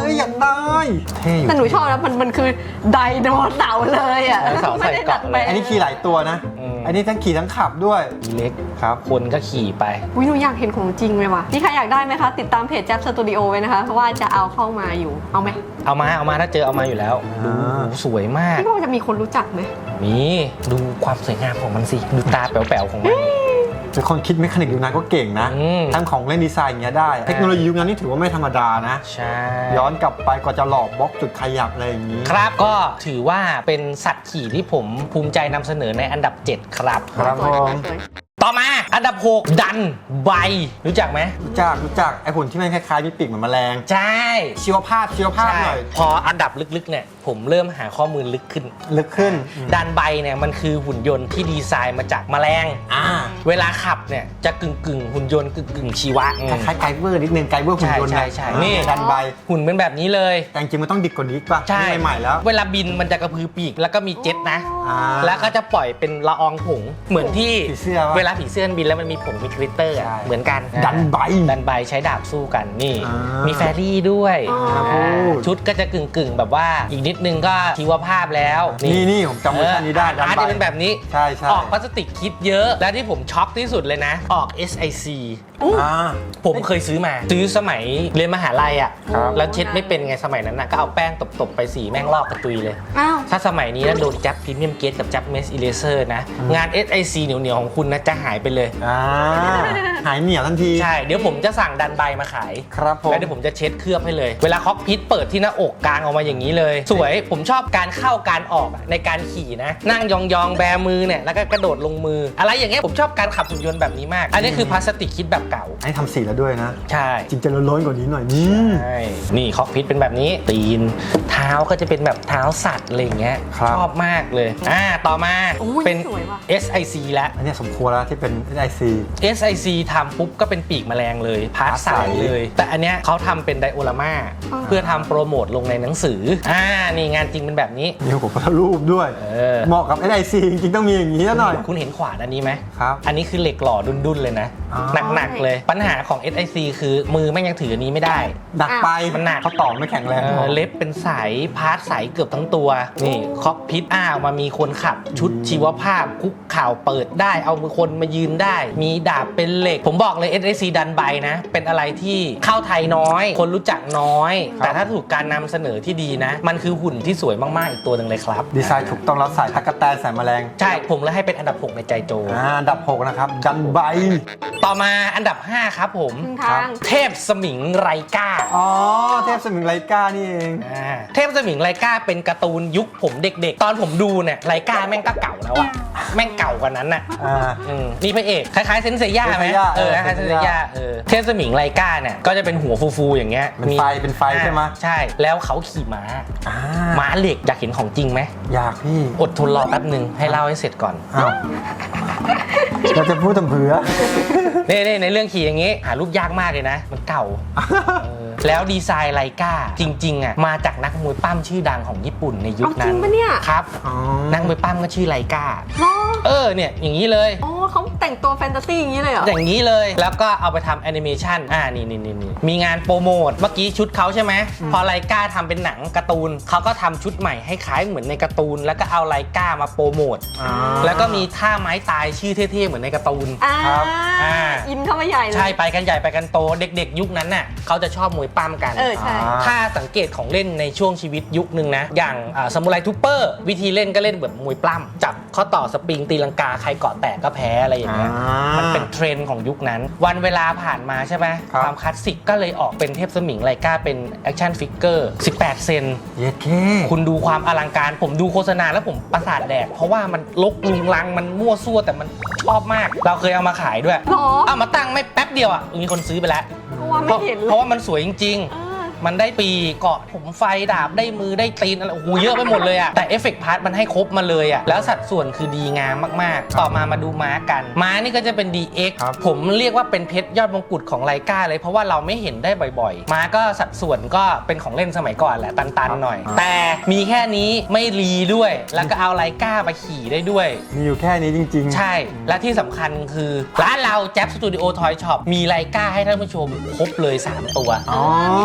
[SPEAKER 4] เลยเท่อยู่
[SPEAKER 3] แต่หนูชอบนะมันมันคือไดโนเสาร์เลยอ่ะ
[SPEAKER 2] ไดโนเสาร์ใส่เกราะเลย
[SPEAKER 4] อันนี้ขี่หลายตัวนะ
[SPEAKER 2] อืม
[SPEAKER 4] อันนี้ทั้งขี่ทั้งขับด้วย
[SPEAKER 2] มีเล็ก
[SPEAKER 4] ครับ
[SPEAKER 2] คนก็ขี่ไป
[SPEAKER 3] วิหนูอยากเห็นของจริงเลยว่ะนี่ใครอยากได้ไหมคะ ติดตามเพจแจ๊บสตูดิโอไว้นะคะ เพราะว่าจะเอาเข้ามาอยู่ เอาไหม
[SPEAKER 2] เอามาเอามาถ้าเจอเอามาอยู่แล้วดู
[SPEAKER 4] อ่า
[SPEAKER 2] สวยมาก
[SPEAKER 3] พี่ว่าจะมีคนรู้จักไหม
[SPEAKER 2] มีดูความสวยงามของมันสิ ดูตาแป๋วๆของมัน
[SPEAKER 4] เป็นคนคิดเมคานิกยุคนั้นก็เก่งนะ
[SPEAKER 2] อืม
[SPEAKER 4] ทั้งของเล่นดีไซน์อย่างเงี้ยได้ เทคโนโลยียุคนั้นนี่ถือว่าไม่ธรรมดานะ
[SPEAKER 2] ใช่
[SPEAKER 4] ย้อนกลับไปกว่าจะหลอกบล็อกจุดขยับอะไรอย่างนี้
[SPEAKER 2] ครับก็ถือว่าเป็นสัตว์ขี่ที่ผมภูมิใจนำเสนอในอันดับ เจ็ด ครับ
[SPEAKER 4] ครับ
[SPEAKER 3] สวย
[SPEAKER 4] ผม
[SPEAKER 3] สวย
[SPEAKER 2] ต่อมาอันดับ หก ดันใบ รู้จักไหม
[SPEAKER 4] รู้จักรู้จักไอ้หุ่นที่มันคล้ายๆมีปีกเหมือนแมลง
[SPEAKER 2] ใช่
[SPEAKER 4] ชีวภาพชีวภาพ
[SPEAKER 2] ใช่
[SPEAKER 4] หน่อย
[SPEAKER 2] พออันดับลึกๆเนี่ยผมเริ่มหาข้อมูลลึกขึ้น
[SPEAKER 4] ลึกขึ้น
[SPEAKER 2] ดันใบเนี่ยมันคือหุ่นยนต์ที่ดีไซน์มาจากแมลง
[SPEAKER 4] อ่า
[SPEAKER 2] เวลาขับเนี่ยจะกึ่งกึ่งๆหุ่นยนต์กึ่งกึ่งๆชีวะ
[SPEAKER 4] คล้ายๆไกเวอร์นิดนึงไกเวอร์หุ่นยนต์
[SPEAKER 2] ใช่ใช่ใช่
[SPEAKER 4] นี่
[SPEAKER 2] นี่
[SPEAKER 4] ดันใบ
[SPEAKER 2] หุ่นเป็นแบบนี้เลย
[SPEAKER 4] แต่จริงๆมันต้องดิบกว่านี้ป่ะ
[SPEAKER 2] ใช่
[SPEAKER 4] นี่ใหม่ๆแล้ว
[SPEAKER 2] เวลาบินมันจะกระพือปีกแล้วก็มีเจ็ตนะ
[SPEAKER 4] อ่า
[SPEAKER 2] แล้วก็จะปล่อยเป็นละอองผงเหมือนที่
[SPEAKER 4] ผีเสื้อวะ
[SPEAKER 2] เวลาผีเสื้อบินแล้วมันมีผงมีคริสเตอร์อะ
[SPEAKER 4] ใช่
[SPEAKER 2] เหมือนกัน
[SPEAKER 4] ดันใบ
[SPEAKER 2] ดันใบใช้ดาบสู้กันนี่
[SPEAKER 4] อ่ามี
[SPEAKER 2] มีแฟรี่ด้วย
[SPEAKER 3] อ๋ออ่
[SPEAKER 2] า
[SPEAKER 4] พูด
[SPEAKER 2] ชุดก็จะกึ่งกึ่งๆแบบว่าอีกนิดนึงก็ชีวภาพแล้ว
[SPEAKER 4] นี่นี่ผมจำเวอร์ชันนี้ได้
[SPEAKER 2] เอออาร์ต
[SPEAKER 4] ดันใบ
[SPEAKER 2] จะเป็นแบบนี้
[SPEAKER 4] ใช่ใช่
[SPEAKER 2] ออกพลาสติกคิดเยอะ และที่ผมช็อกที่สุดเลยนะ ออก เอส ไอ ซี
[SPEAKER 4] อ่า
[SPEAKER 2] ผมเคยซื้อมา ซื้อสมัยเรียนมหาลัยอ่ะ
[SPEAKER 4] ครับ
[SPEAKER 2] แล้วเช็ดไม่เป็นไงสมัยนั้นน่ะก็เอาแป้งตบๆไปสีแม่งลอกกระตุยเลย
[SPEAKER 3] อ้าว
[SPEAKER 2] ถ้าสมัยนี้นะโดนจับพรีเมียมเกตกับจับเมสอิเลเซอร์นะ งาน เอส ไอ ซี เหนียวๆของคุณนะจะหายไปเลย
[SPEAKER 4] อ่าหายเหนียวทันที
[SPEAKER 2] ใช่ เดี๋ยวผมจะสั่งดันใบมาขาย
[SPEAKER 4] ครับผม
[SPEAKER 2] แล้วเดี๋ยวผมจะเช็ดเคลือบให้เลย เวลาคอกพิทเปิดที่หน้าอกกลางออกมาอย่างนี้เลย สวย ผมชอบการเข้าการออกอะในการขี่นะ นั่งยองๆแบมือเนี่ยแล้วก็กระโดดลงมือ อะไรอย่างเงี้ยผมชอบการขับหุ่นยนต์แบบนี้มาก อันนี้คือพลาสติกคิดแบบเก่า
[SPEAKER 4] ให้ทำสีแล้วด้วยนะ
[SPEAKER 2] ใช่
[SPEAKER 4] จริงจะล้นๆกว่านี้หน่อยนี่
[SPEAKER 2] ใช่ นี่คอกพิทเป็นแบบนี้ ตีน เท้าก็จะเป็นแบบเท้าสัตว์อะไรอย่างเงี้ย
[SPEAKER 4] ครับ
[SPEAKER 2] ชอบมากเลย อ่า ต่อมา
[SPEAKER 3] โอ้ย
[SPEAKER 2] เป็น
[SPEAKER 3] สวยว่ะ
[SPEAKER 2] เอส ไอ ซี แล้ว
[SPEAKER 4] อันเนี้ยสมควรแล้วที่เป็น ไอ ซี
[SPEAKER 2] เอส ไอ ซี ทำปุ๊บก็เป็นปีกแมลงเลย พาร์ท
[SPEAKER 4] พาร์ท
[SPEAKER 2] ใส
[SPEAKER 4] ใส
[SPEAKER 2] เลย แต่อันเนี้ยเขาทำเป็นไดโอรามา
[SPEAKER 3] อ๋อ
[SPEAKER 2] เพื่อทำโปรโมทลงในหนังสือ อ่า นี่งานจริงเป็นแบบนี้
[SPEAKER 4] มีหัวพระรูปด้วย
[SPEAKER 2] เออ
[SPEAKER 4] เหมาะกับ ไอ ซี จริงๆต้องมีอย่างนี้ซะหน่อย
[SPEAKER 2] คุณเห็นขวานอันนี้ไหม
[SPEAKER 4] ครับ
[SPEAKER 2] อันนี้คือเหล็กหล่อดุนๆเลยนะ
[SPEAKER 4] อ๋อ
[SPEAKER 2] หนักๆเลย ปัญหาของ เอส ไอ ซี คือมือแม่งยังถืออันนี้ไม่ได้
[SPEAKER 4] ดักไป
[SPEAKER 2] มันหนัก
[SPEAKER 4] เขาต่อไม่แข็งแรง
[SPEAKER 2] เอ
[SPEAKER 4] พ
[SPEAKER 2] อ
[SPEAKER 4] อ
[SPEAKER 2] เล็บเป็นสายพาร์ทใสเกือบทั้งตัว นี่คอกพิทอ้าวมามีคนขับ ชุดชีวภาพคุกข่าวเปิดได้เอามือคนมายืนได้ มีดาบเป็นเหล็ก ผมบอกเลย เอส ไอ ซี ดันใบนะ เป็นอะไรที่เข้าไทยน้อย คนรู้จักน้อย
[SPEAKER 4] ครับ
[SPEAKER 2] แต่ถ้าถูกการนำเสนอที่ดีนะ มันคือหุ่นที่สวยมากๆอีกตัวหนึ่งเลยครับ
[SPEAKER 4] ดีไซน์ถูกต้องแล้วใส่ตะกแตนใส่แมลง
[SPEAKER 2] ใช่ผมเลยให้เป็นอันดับหกในใจโจ
[SPEAKER 4] อ่าอันดับหกนะครับ ดันใบ
[SPEAKER 2] ต่อมาอันดับห้าครับผม
[SPEAKER 3] ครึ่งทาง
[SPEAKER 2] เทพสมิงไรก้า
[SPEAKER 4] อ๋อ เทพสมิงไลกานี่เอง
[SPEAKER 2] อ่าเทพสมิงไรก้าเป็นการ์ตูนยุคผมเด็กๆ ตอนผมดูเนี่ยไรก้าแม่งก็เก่าแล้วอะแม่งเก่ากว่านั้นน่ะ
[SPEAKER 4] อ่า
[SPEAKER 2] อืมนี่พระเอกคล้ายๆเซนเซย่าไหม
[SPEAKER 4] เซนเซย่า
[SPEAKER 2] เออ
[SPEAKER 4] เออ
[SPEAKER 2] คล้ายๆเซน
[SPEAKER 4] เซน
[SPEAKER 2] เซ
[SPEAKER 4] เซย่า
[SPEAKER 2] ย่าเออเทพสมิงไรก้าเนี่ยก็จะเป็นหัวฟูๆอย่างเงี้ย
[SPEAKER 4] เป็นไฟเป็นไฟใช่ไหม
[SPEAKER 2] อ่าใช่แล้วเขาขี่ม้า
[SPEAKER 4] อ่า
[SPEAKER 2] ม้าเหล็กอยากเห็นของจริงไหม
[SPEAKER 4] อยากพี่
[SPEAKER 2] อดทนรอแป๊บหนึ่งให้เล่าให้เสร็จก่อน
[SPEAKER 4] อ้าวเราจะพูดทำเผื่อ
[SPEAKER 2] นี่นี่ในเรื่องขี่อย่างงี้ หารูปยากมากเลยนะ มันเก่าเออแล้วดีไซน์ไรก้าจริงๆอ่ะมาจากนักมวยปั้มชื่อดังของญี่ปุ่นในยุคนั้น
[SPEAKER 3] เอาจริงปะเนี่ย
[SPEAKER 2] ครับ
[SPEAKER 4] อ๋อ
[SPEAKER 2] นักมวยปั้มก็ชื่อไรก้า
[SPEAKER 3] เหรอ
[SPEAKER 2] เออเนี่ยอย่างนี้เลย
[SPEAKER 3] อ๋อเขาแต่งตัวแฟนตาซีอย่างนี้เลยเหรอ
[SPEAKER 2] อย่างนี้เลยแล้วก็เอาไปทำแอนิเมชันอ่านี่นี่นี่นี่มีงานโปรโมทเมื่อกี้ชุดเขาใช่ไหมพอไรก้าทำเป็นหนังการ์ตูนเขาก็ทำชุดใหม่ให้คล้ายเหมือนในการ์ตูน แล้วก็เอาไรก้ามาโปรโมท
[SPEAKER 4] อ่า
[SPEAKER 2] แล้วก็มีท่าไม้ตายชื่อเท่ๆเหมือนในการ์ตูน
[SPEAKER 3] อ่า
[SPEAKER 4] ครับ
[SPEAKER 2] อ่า
[SPEAKER 3] อินเข้ามาใหญ่เลย
[SPEAKER 2] ใช่ไปกันใหญ่ไปกันโตเด็กๆ ยุคนั้นน่ะเขาจะชอบมวยปั้มกัน
[SPEAKER 3] เออใช่
[SPEAKER 4] อ่า
[SPEAKER 2] ถ้าสังเกตของเล่นในช่วงชีวิตยุคนึงนะ อย่างซามูไรทูเปอร์วิธีเล่นก็เล่นแบบมวยปล้ำจับข้อต่อสปริงตีลังกาใครเกาะแตกก็แพ้อะไรอย่างเงี้ย
[SPEAKER 4] อ่ามั
[SPEAKER 2] มันเป็นเทรนด์ของยุคนั้น วันเวลาผ่านมาใช่ไหม
[SPEAKER 4] ครับ
[SPEAKER 2] ความคลาสสิกก็เลยออกเป็นเทพสมิงไรก้าเป็นแอคชั่นฟิกเกอร์สิบแปดเซน
[SPEAKER 4] เย็ดเค
[SPEAKER 2] คุณดูความอลังการผมดูโฆษณาแล้วผมประสาทแดก เพราะว่ามันลกลุงลังมันมั่วซั่วแต่มันชอบมาก เราเคยเอามาขายด้วย
[SPEAKER 3] หรอ
[SPEAKER 2] เอามาตั้งไม่แป๊บเดียวอ่ะมีคนซื้อไปแล้ว
[SPEAKER 3] เพราะว่าไม่เห็น
[SPEAKER 2] เพ
[SPEAKER 3] เลย
[SPEAKER 2] ราะว่ามันสวยจริง
[SPEAKER 3] เออ
[SPEAKER 2] ๆ มันได้ปีเกาะผมไฟดาบได้มือได้ตีนอะไรโอ้โหเยอะไปหมดเลยอ่ะแต่เอฟเฟกต์พาร์ทมันให้ครบมาเลยอ่ะแล้วสัดส่วนคือดีงามมากๆ ต่อมามาดูม้ากัน ม้านี่ก็จะเป็น ดี เอ็กซ์
[SPEAKER 4] ครับ
[SPEAKER 2] ผมเรียกว่าเป็นเพชรยอดมงกุฎของไรก้าเลยเพราะว่าเราไม่เห็นได้บ่อยๆ ม้าก็สัดส่วนก็เป็นของเล่นสมัยก่อนแหละตันๆหน่อย แต่มีแค่นี้ไม่รีด้วย แล้วก็เอาไรก้าไปขี่ได้ด้วย
[SPEAKER 4] มีอยู่แค่นี้จริงๆ
[SPEAKER 2] ใช่ และที่สำคัญคือร้านเราแจ๊บสตูดิโอทอยช็อปมีไรก้าให้ท่านผู้ชมครบเลย สาม ตัว
[SPEAKER 4] อ๋อ
[SPEAKER 3] มีสามกล่อง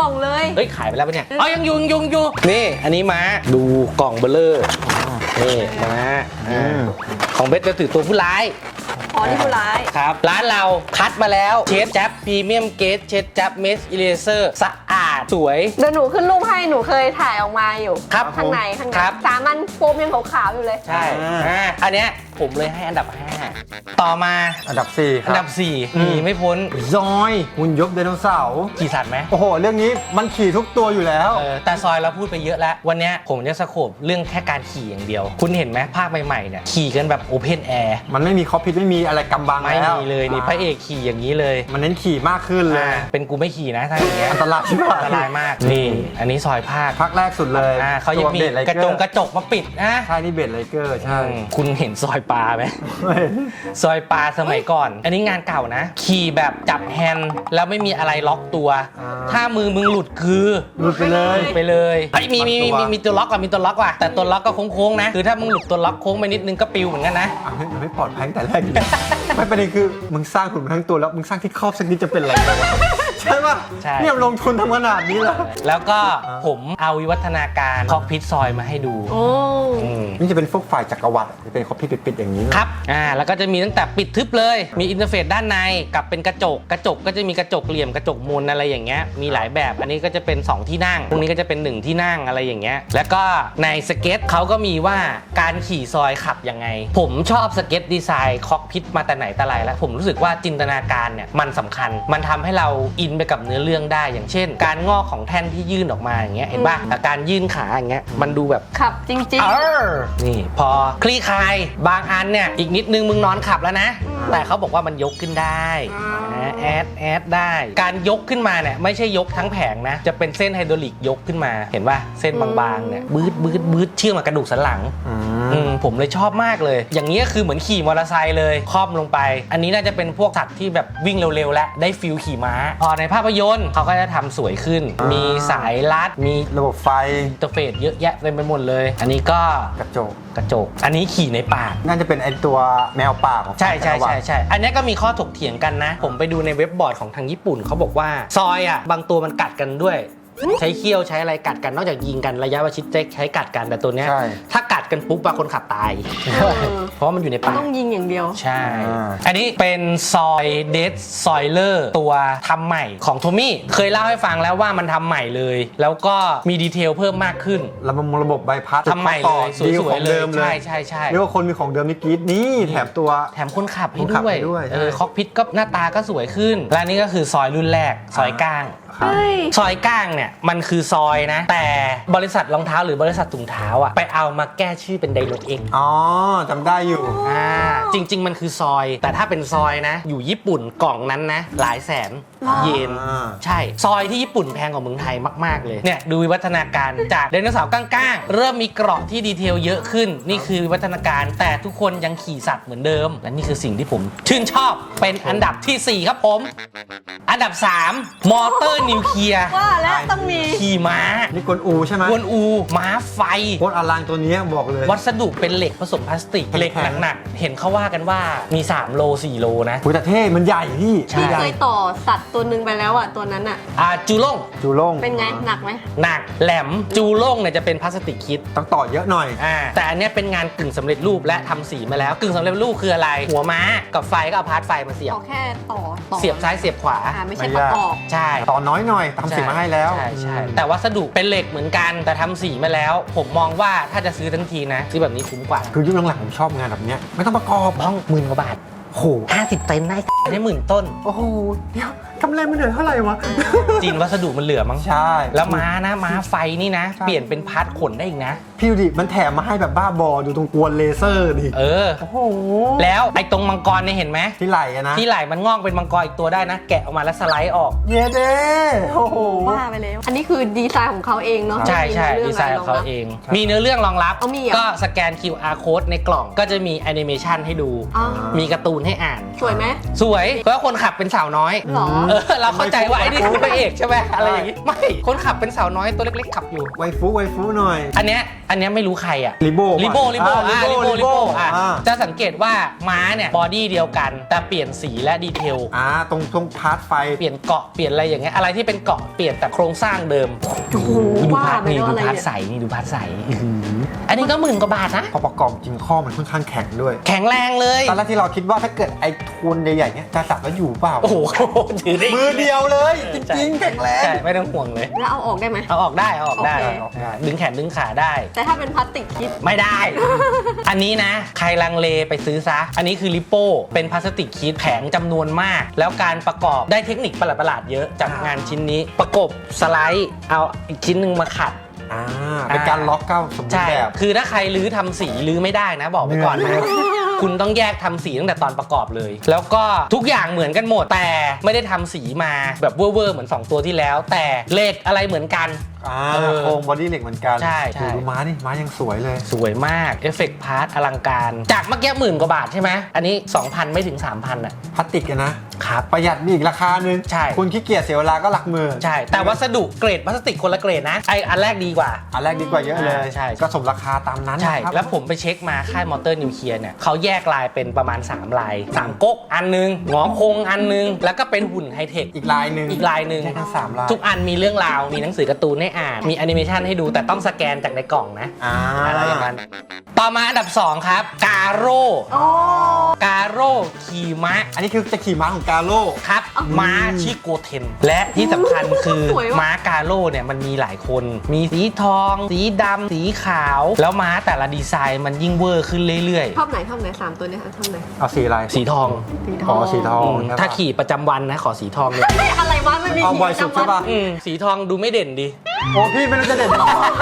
[SPEAKER 3] องเลย
[SPEAKER 2] เฮ้ยขายไปแล้วปะเนี่ยอ๋อยังอยุงยุงอยู่นี่อันนี้ม้าดูกล่องเบลเลอร์นี่ม้าอ่าของเบสจะถือตัวผู้ร้าย
[SPEAKER 3] อ๋อนี่ผู้ร้าย
[SPEAKER 2] ครับร้านเราคัดมาแล้วเชฟแจ๊บพรีเมียมเกสเชฟแจ๊บเมสอิเลเซอร์สะอาดสวย
[SPEAKER 3] เดี๋ยวหนูขึ้นรูปให้หนูเคยถ่ายออกมาอยู่
[SPEAKER 2] ครับ
[SPEAKER 3] ข้างในข้างใน
[SPEAKER 2] ครับ
[SPEAKER 3] สามันโฟมยังขาวๆอยู่เลย
[SPEAKER 2] ใช่อ่าอันเนี้ยผมเลยให้อันดับห้าต่อมา
[SPEAKER 4] อันดับสี่ค
[SPEAKER 2] อั
[SPEAKER 4] รับ
[SPEAKER 2] นดับสี่หนีไม่พ้น
[SPEAKER 4] ซอยหุ่นยบไดโนเสาร์
[SPEAKER 2] ขี่สัตว์ไหม
[SPEAKER 4] โอ้โห เรื่องนี้มันขี่ทุกตัวอยู่แล้ว
[SPEAKER 2] เออแต่ซอยเราพูดไปเยอะแล้ว วันเนี้ยผมจะสโคปเรื่องแค่การขี่อย่างเดียว คุณเห็นไหมภาคใหม่ๆเนี่ยขี่กันแบบโอเพนแอร์
[SPEAKER 4] มันไม่มีคอปพิทไม่มีอะไรกำบัง
[SPEAKER 2] ไม่
[SPEAKER 4] แล้ว
[SPEAKER 2] มีเลยนี่พระเอกขี่อย่างนี้เลย
[SPEAKER 4] มันเน้นขี่มากขึ้นเลย
[SPEAKER 2] อ่าเป็นกูไม่ขี่นะถ้าอย่างเงี้ย
[SPEAKER 4] อันตรายชิบหาย
[SPEAKER 2] อันตรายมากนี่อันนี้ซอยภาค
[SPEAKER 4] ภาคแรกสุดเลย
[SPEAKER 2] อ่าเขายังมี
[SPEAKER 4] ตัวบสไล
[SPEAKER 2] กระ
[SPEAKER 4] เอ
[SPEAKER 2] จงกระจกมาปิดนะ
[SPEAKER 4] ใช่นี่เบดไลเกอร์ใช่
[SPEAKER 2] อืมคุณเห็นซอยปลาไหม ซอยปลาสมัยก่อน อันนี้งานเก่านะ ขี่แบบจับแฮนด์แล้วไม่มีอะไรล็อกตัว
[SPEAKER 4] อ่า
[SPEAKER 2] ถ้ามือมึงหลุดคือ
[SPEAKER 4] หลุดไปเลย
[SPEAKER 2] ไปเลยเฮ้ยมีมีมี
[SPEAKER 4] ตัว
[SPEAKER 2] มีมีตัวล็อกอ่ะมีตัวล็อกว่ะแต่ตัวล็อกก็โค้งๆนะคือถ้ามึงหลุดตัวล็อกโค้งไปนิดนึงก็ปิวเหมือนกันนะ
[SPEAKER 4] อ่ะไม่มันไม่ปลอดภัยตั้งแต่แรกอยู่ ไม่ประเด็นคือมึงสร้างหุ่นมาทั้งตัวแล้วมึงสร้างที่ครอบสักนิดจะเป็นอะไรวะ ใช่ป่ะ
[SPEAKER 2] ใช่
[SPEAKER 4] เนี่ยลงทุนทำขนาดนี้แล้ว
[SPEAKER 2] แล้วก็ผมเอาวิวัฒนาการคอกพิทซอยมาให้ดู
[SPEAKER 3] โอ้
[SPEAKER 2] อืม
[SPEAKER 4] นี่จะเป็นพวกฝ่ายจักรวรรดิจะเป็นคอปพิทปิดๆอย่างนี้
[SPEAKER 2] ครับ อ่า แล้วก็จะมีตั้งแต่ปิดทึบเลย มีอินเทอร์เฟซด้านในกับเป็นกระจก กระจกก็จะมีกระจกเหลี่ยมกระจกมูลอะไรอย่างเงี้ย มีหลายแบบ อันนี้ก็จะเป็นสองที่นั่ง พวกนี้ก็จะเป็นหนึ่งที่นั่งอะไรอย่างเงี้ย แล้วก็ในสเก็ตเขาก็มีว่าการขี่ซอยขับยังไง ผมชอบสเก็ตดีไซน์คอกพิทมาแต่ไหนแต่ไรแล้ว ผมรู้สึกว่าจินตนาการเนี่ยมันสำคัญ มันทำให้เราอินไปกับเนื้อเรื่องได้ อย่างเช่น การงอกของแท่นที่ยื่นออกมาอย่างเงี้ย เห็นป่ะแต่การยื่นขาอย่างเงี้ย มันดูแบบ
[SPEAKER 3] ขับจริง
[SPEAKER 2] เออนี่พอคลี่คลายบางอันเนี่ยอีกนิดนึงมึงนอนขับแล้วนะ แต่เขาบอกว่ามันยกขึ้นได้
[SPEAKER 3] อ่า
[SPEAKER 2] นะแอดแอดได้ การยกขึ้นมาเนี่ยไม่ใช่ยกทั้งแผงนะ จะเป็นเส้นไฮดรอลิกยกขึ้นมาเห็นป่ะเส้นบางๆเนี่ยบืดบืดบืดเชื่อมกับกระดูกสันหลัง
[SPEAKER 4] อื
[SPEAKER 2] อื
[SPEAKER 4] ม
[SPEAKER 2] มผมเลยชอบมากเลย อย่างนี้ก็คือเหมือนขี่มอเตอร์ไซค์เลยครอบลงไป อันนี้น่าจะเป็นพวกสัตว์ที่แบบวิ่งเร็วๆและได้ฟิลขี่ม้า พอในภาพยนตร์เขาก็จะทำสวยขึ้น มีสายลัดมี
[SPEAKER 4] ระบบไฟ
[SPEAKER 2] อินเตอร์เฟซเยอะแยะเต็มไปหมดเลย อันนี้ก็
[SPEAKER 4] กระจก
[SPEAKER 2] กระจก อันนี้ขี่ในป่า
[SPEAKER 4] น่าจะเป็นไอตัวแมวป่าของ
[SPEAKER 2] ใช่ใช่
[SPEAKER 4] จักรวร
[SPEAKER 2] ใช่
[SPEAKER 4] รดิ
[SPEAKER 2] ใช่ อันนี้ก็มีข้อถกเถียงกันนะ ผมไปดูในเว็บบอร์ดของทางญี่ปุ่นเขาบอกว่าซอยอ่ะบางตัวมันกัดกันด้วย ใช้เขี้ยวใช้อะไรกัดกันนอกจากยิงกันระยะประชิดใช้กัดกันแต่ตัวเนี้ย
[SPEAKER 4] ใช่
[SPEAKER 2] ถ้ากัดกันปุ๊บบางคนขับตาย เพราะว่ามันอยู่ในป่า
[SPEAKER 3] ต้องยิงอย่างเดียว
[SPEAKER 2] ใช่
[SPEAKER 4] อ่า
[SPEAKER 2] อันนี้เป็นซอยเดสซอยเลอร์ตัวทำใหม่ของโทมี่เคยเล่าให้ฟังแล้วว่ามันทำใหม่เลย แล้วก็มีดีเทลเพิ่มมากขึ้น
[SPEAKER 4] ระบบระบบใบพัด
[SPEAKER 2] ทำใหม่เลยส
[SPEAKER 4] ดีก
[SPEAKER 2] ว
[SPEAKER 4] ว่าย ของ
[SPEAKER 2] ๆเล
[SPEAKER 4] เดิ
[SPEAKER 2] ย
[SPEAKER 4] มเล
[SPEAKER 2] ใช่
[SPEAKER 4] ย
[SPEAKER 2] ใช่ใช่
[SPEAKER 4] เรียกว่าคนมีของเดิมนี่กรี๊ดนี่แถมตัว
[SPEAKER 2] แถมคนขับให้
[SPEAKER 4] คนขับ
[SPEAKER 2] ด้วย
[SPEAKER 4] ให้ด้วย
[SPEAKER 2] เออ
[SPEAKER 4] ใช่
[SPEAKER 2] คอกพิทก็หน้าตาก็สวยขึ้น และนี่ก็คือซอยรุ่นแรก ซอยก้าง
[SPEAKER 4] ครับ
[SPEAKER 3] เฮ้ย
[SPEAKER 2] ซอยก้างเนี่ยมันคือซอยนะ แต่บริษัทรองเท้าหรือบริษัทถุงเท้าอ่ะไปเอามาแก้ชื่อเป็นไดโนเอ็ก
[SPEAKER 4] อ๋อจำได้อยู่
[SPEAKER 2] อ่าจริง ๆ มันคือซอย แต่ถ้าเป็นซอยนะ อยู่ญี่ปุ่นกล่องนั้นนะ หลายแสนเยน
[SPEAKER 4] อ่า
[SPEAKER 2] ใช่ ซอยที่ญี่ปุ่นแพงกว่าเมืองไทยมาก ๆ เลย เนี่ย ดูวิวัฒนาการจากไดโนเสาร์ก้างๆ เริ่มมีเกราะที่ดีเทลเยอะขึ้น นี่คือวิวัฒนาการแต่ทุกคนยังขี่สัตว์เหมือนเดิม และนี่คือสิ่งที่ผมชื่นชอบเป็นอันดับที่ สี่ ครับผม อันดับ สาม มอเตอร์นิวเคลียร์
[SPEAKER 3] ว่าแล้วต้องมี
[SPEAKER 2] ขี่ม้า
[SPEAKER 4] นี่กวนอูใช่ไหม
[SPEAKER 2] กวนอู ม้าไฟ
[SPEAKER 4] โคตรอลังตัวเนี้ยบอกเลย
[SPEAKER 2] วัสดุเป็นเหล็กผสมพลาสติก เหล็กหนักๆ เห็นเขาว่ากันว่ามี สาม โล สี่ โลนะ
[SPEAKER 4] คุยแต่เท่มันใหญ่พี่
[SPEAKER 2] ใช่
[SPEAKER 3] พี่
[SPEAKER 4] ใหญ่
[SPEAKER 3] เคยต่อสัตว์ตัวหนึ่งไปแล้วอ่ะตัวนั้นอ่ะ
[SPEAKER 2] อ่าจูโล่ง
[SPEAKER 4] จูโล่ง
[SPEAKER 3] เป็นไงหนักไหม
[SPEAKER 2] หนักแหลมจูโล่งเนี่ยจะเป็นพลาสติกคิด
[SPEAKER 4] ต้องต่อเยอะหน่อย
[SPEAKER 2] อ่าแต่อันเนี้ยเป็นงานกึ่งสำเร็จรูปและทำสีมาแล้วกึ่งสำเร็จรูปคืออะไร หัวม้ากับไฟก็เอาพาร์ทไฟมาเสียบ
[SPEAKER 3] เอาแค่ต่อต่อ
[SPEAKER 2] เสียบซ้ายเสียบขวา
[SPEAKER 3] อ่าไม่ใช่
[SPEAKER 4] ไม่
[SPEAKER 3] ประ
[SPEAKER 4] ยาก
[SPEAKER 3] กอบ
[SPEAKER 2] ใช่
[SPEAKER 4] ต่อน้อยหน่อยทำสีมาให้แล้ว
[SPEAKER 2] ใช่ใช่แต่วัสดุเป็นเหล็กเหมือนกันแต่ทำสีมาแล้ว ผมมองว่าถ้าจะซื้อทันทีนะซื้อแบบนี้คุ้มกว่า
[SPEAKER 4] คือยุคหลังๆผมชอบงานแบบเนี้ยไม่ต้องประกอบ
[SPEAKER 2] บ้องหมื่นกว่าบาท
[SPEAKER 4] โอ้โห
[SPEAKER 2] ห้าสิบเต็นท์ได้ได้หมื่นต้น
[SPEAKER 4] โอ้โหเดี๋ยวกำไรมันเหลือเท่าไหร่วะ
[SPEAKER 2] จีนวัสดุมันเหลือมั้ง
[SPEAKER 4] ใช่
[SPEAKER 2] แล้วม้านะม้าไฟนี่นะ
[SPEAKER 4] ใช่
[SPEAKER 2] เปลี่ยนเป็นพาร์ทขนได้อีกนะ
[SPEAKER 4] พี่ดูดิมันแถมมาให้แบบบ้าบอดูตรงกวนเลเซอร์ดิ
[SPEAKER 2] เออ
[SPEAKER 4] โอ้โห
[SPEAKER 2] แล้วไอ้ตรงมังกรเนี่ยเห็นไหม
[SPEAKER 4] ที่ไหล่อะนะ
[SPEAKER 2] ที่ไหล่มันงอกเป็นมังกรอีกตัวได้นะ แกะออกมาแล้วสไลด์ออก
[SPEAKER 4] เย้เด้โอ้โห
[SPEAKER 3] ว่าไปแล้ว อันนี้คือดีไซน์ของเขาเองเนาะ
[SPEAKER 2] ใช่ใช่
[SPEAKER 3] ไม่มี
[SPEAKER 2] ดีไซน์
[SPEAKER 3] รื่
[SPEAKER 2] ของเขา
[SPEAKER 3] ะไรรบ
[SPEAKER 2] เอง
[SPEAKER 4] ใช่
[SPEAKER 2] มีเนื้อเรื่องรองรับ
[SPEAKER 3] เอามีเหรอ
[SPEAKER 2] ก็สแกน คิว อาร์ code ในกล่องก็จะมีแอนิเมชันให้ดู
[SPEAKER 3] อ๋อ
[SPEAKER 2] มีการ์ตูนให้อ่าน
[SPEAKER 3] สวยไหม
[SPEAKER 2] สวยเพราะว่าคนขับเป็นสาวน้อย
[SPEAKER 3] หรอ
[SPEAKER 2] เออเราเข้าใจว่าไอ้นี่คือพระเอกใช่ไหมอะไรอย่างงี้ไม่คนขับเป็นสาวน้อยตัวเล็กๆขับอยู่
[SPEAKER 4] ไวฟูไวฟูหน่อย
[SPEAKER 2] อันเนี้ยอันเนี้ยไม่รู้ใครอ่ะ
[SPEAKER 4] ลิโบ
[SPEAKER 2] ลิโบลิโบ
[SPEAKER 4] อ่า
[SPEAKER 2] อ่าลิโบ
[SPEAKER 4] ลิ
[SPEAKER 2] ลิ
[SPEAKER 4] โบ
[SPEAKER 2] โบอ่ะ
[SPEAKER 4] อ่า
[SPEAKER 2] จะสังเกตว่าม้าเนี่ยบอดี้เดียวกันแต่เปลี่ยนสีและดีเทล
[SPEAKER 4] อ่าตรงตรงพาร์ทไฟ
[SPEAKER 2] เปลี่ยนเกาะเปลี่ยนอะไรอย่างเงี้ยอะไรที่เป็นเกาะเปลี่ยนแต่โครงสร้างเดิม
[SPEAKER 3] โอ้โห
[SPEAKER 2] ดู
[SPEAKER 3] ว่า
[SPEAKER 2] พาร์ท
[SPEAKER 3] ไป
[SPEAKER 2] นี่
[SPEAKER 3] แล้ว
[SPEAKER 2] ดู
[SPEAKER 3] อะไร
[SPEAKER 2] พาร์ท
[SPEAKER 3] เนี่ย
[SPEAKER 2] ใสนี่ดูพาร์ทใสอันนี้ก็หมื่นกว่าบาทนะ
[SPEAKER 4] พอประกอบจริงข้อมันค่อนข้างแข็งด้วย
[SPEAKER 2] แข็งแรงเลย
[SPEAKER 4] ตอนแรกที่เราคิดว่าถ้าเกิดไอ้ทูนใหญ่ๆเนี้ยจะสับแล้วอยู่เปล่า
[SPEAKER 2] โอ้โหถือได้
[SPEAKER 4] มือเดียวเลย จริงๆแข็งแรง
[SPEAKER 2] ใช่ไม่ต้องห่วงเลย
[SPEAKER 3] แล้วเอาออกได้ไหม
[SPEAKER 2] เอาออกได้เอาออกได้
[SPEAKER 3] โอเค
[SPEAKER 2] เอาออกได้ดึงแขนดึงขาได้
[SPEAKER 3] แต่ถ้าเป็นพลาสติกคิด
[SPEAKER 2] ไม่ได้ อันนี้นะ ใครลังเลไปซื้อซะ อันนี้คือลิปโป้เป็นพลาสติกคีดแผงจำนวนมาก แล้วการประกอบได้เทคนิคประหลาดๆเยอะจากงานชิ้นนี้ ประกบสไลด์เอาอีกชิ้นหนึ่งมาขัด
[SPEAKER 4] อ่าเป็นการล็อกเก้าสมบูร
[SPEAKER 2] ใช่
[SPEAKER 4] ณ์แบบ
[SPEAKER 2] คือถ้าใครรื้อทำสีรื้อไม่ได้นะ บอกไว้ก่อนนะ คุณต้องแยกทำสีตั้งแต่ตอนประกอบเลย แล้วก็ทุกอย่างเหมือนกันหมด แต่ไม่ได้ทำสีมาแบบเวอร์ๆเหมือนสองตัวที่แล้ว แต่เลขอะไรเหมือนกัน
[SPEAKER 4] อ่า
[SPEAKER 2] เออ
[SPEAKER 4] โครงบอดี้เหล็กเหมือนกัน
[SPEAKER 2] ใช่ใช่
[SPEAKER 4] โอ้ดูม้านี่ม้ายังสวยเลย
[SPEAKER 2] สวยมากเอฟเฟกต์พาร์ทอลังการ จากเมื่อกี้หมื่นกว่าบาทใช่ไหมอันนี้ สองพัน ไม่ถึง สามพัน อ่ะ
[SPEAKER 4] พลาสติกอะนะ
[SPEAKER 2] ครับ
[SPEAKER 4] ประหยัดมีอีกราคานึง
[SPEAKER 2] ใช่
[SPEAKER 4] คุณขี้เกียจเสียเวลาก็หลักหมื่น
[SPEAKER 2] ใช่ แต่วัสดุเกรดพลาสติกคนละเกรดนะไออันแรกดีกว่า
[SPEAKER 4] อันแรกดีกว่าเยอะเลย
[SPEAKER 2] อ่าใช่
[SPEAKER 4] ก็สมราคาตามนั้น
[SPEAKER 2] ใช่
[SPEAKER 4] นะครับ
[SPEAKER 2] แล้วผมไปเช็คมาค่ายมอเตอร์นิวเคลียร์เนี่ยเขาแยกลายเป็นประมาณ สาม ลาย สาม ก๊กอันนึงหงอคงอันนึง แล้วก็เป็นหุ่นไฮเทค
[SPEAKER 4] อีกลายหนึ่ง
[SPEAKER 2] อีกลายหนึ่ง
[SPEAKER 4] แค่ทั้งสามลาย
[SPEAKER 2] ทุกอันมีเรื่องราว มีหนังสือการ์ตูนให้อ่าน มีแอนิเมชันให้ดูแต่ต้องสแกนจากในกล่องนะ
[SPEAKER 4] อ่า
[SPEAKER 2] อะไรอย่างนั้นต่อมาอันดับสองครับกาโร่
[SPEAKER 3] โอ้
[SPEAKER 2] กาโร่ขี่ม้า
[SPEAKER 4] อันนี้คือจะขี่ม้าของกาโร่
[SPEAKER 2] ครับม้าชิโกเทน และที่สำคัญคือ
[SPEAKER 3] สวยว่ะ
[SPEAKER 2] ม้ากาโร่เนี่ยมันมีหลายคน มีสีทอง สีดำสีขาว แล้วม้าแต่ละดีไซน์มันยิ่งเวอร์ขึ้นเรื่อย
[SPEAKER 3] ชอบไหนชอบไหนสามตัวเนี้ยชอบไหน
[SPEAKER 4] เอาสีอะไร
[SPEAKER 2] ๆ สีทอง
[SPEAKER 3] สีท
[SPEAKER 4] อ๋
[SPEAKER 3] อ
[SPEAKER 4] อง สีทอง
[SPEAKER 2] อืม
[SPEAKER 4] ใช่ปะ
[SPEAKER 2] ถ้าขี่ประจำวันนะ ขอสีทองเลย
[SPEAKER 3] เฮ้ยอะไรวะไม่มี
[SPEAKER 4] เอาบ่อยสุดใช่ปะ
[SPEAKER 2] อืมสีทองดูไม่เด่นดี
[SPEAKER 4] โอ้พี่ไม่รู้จะเด่น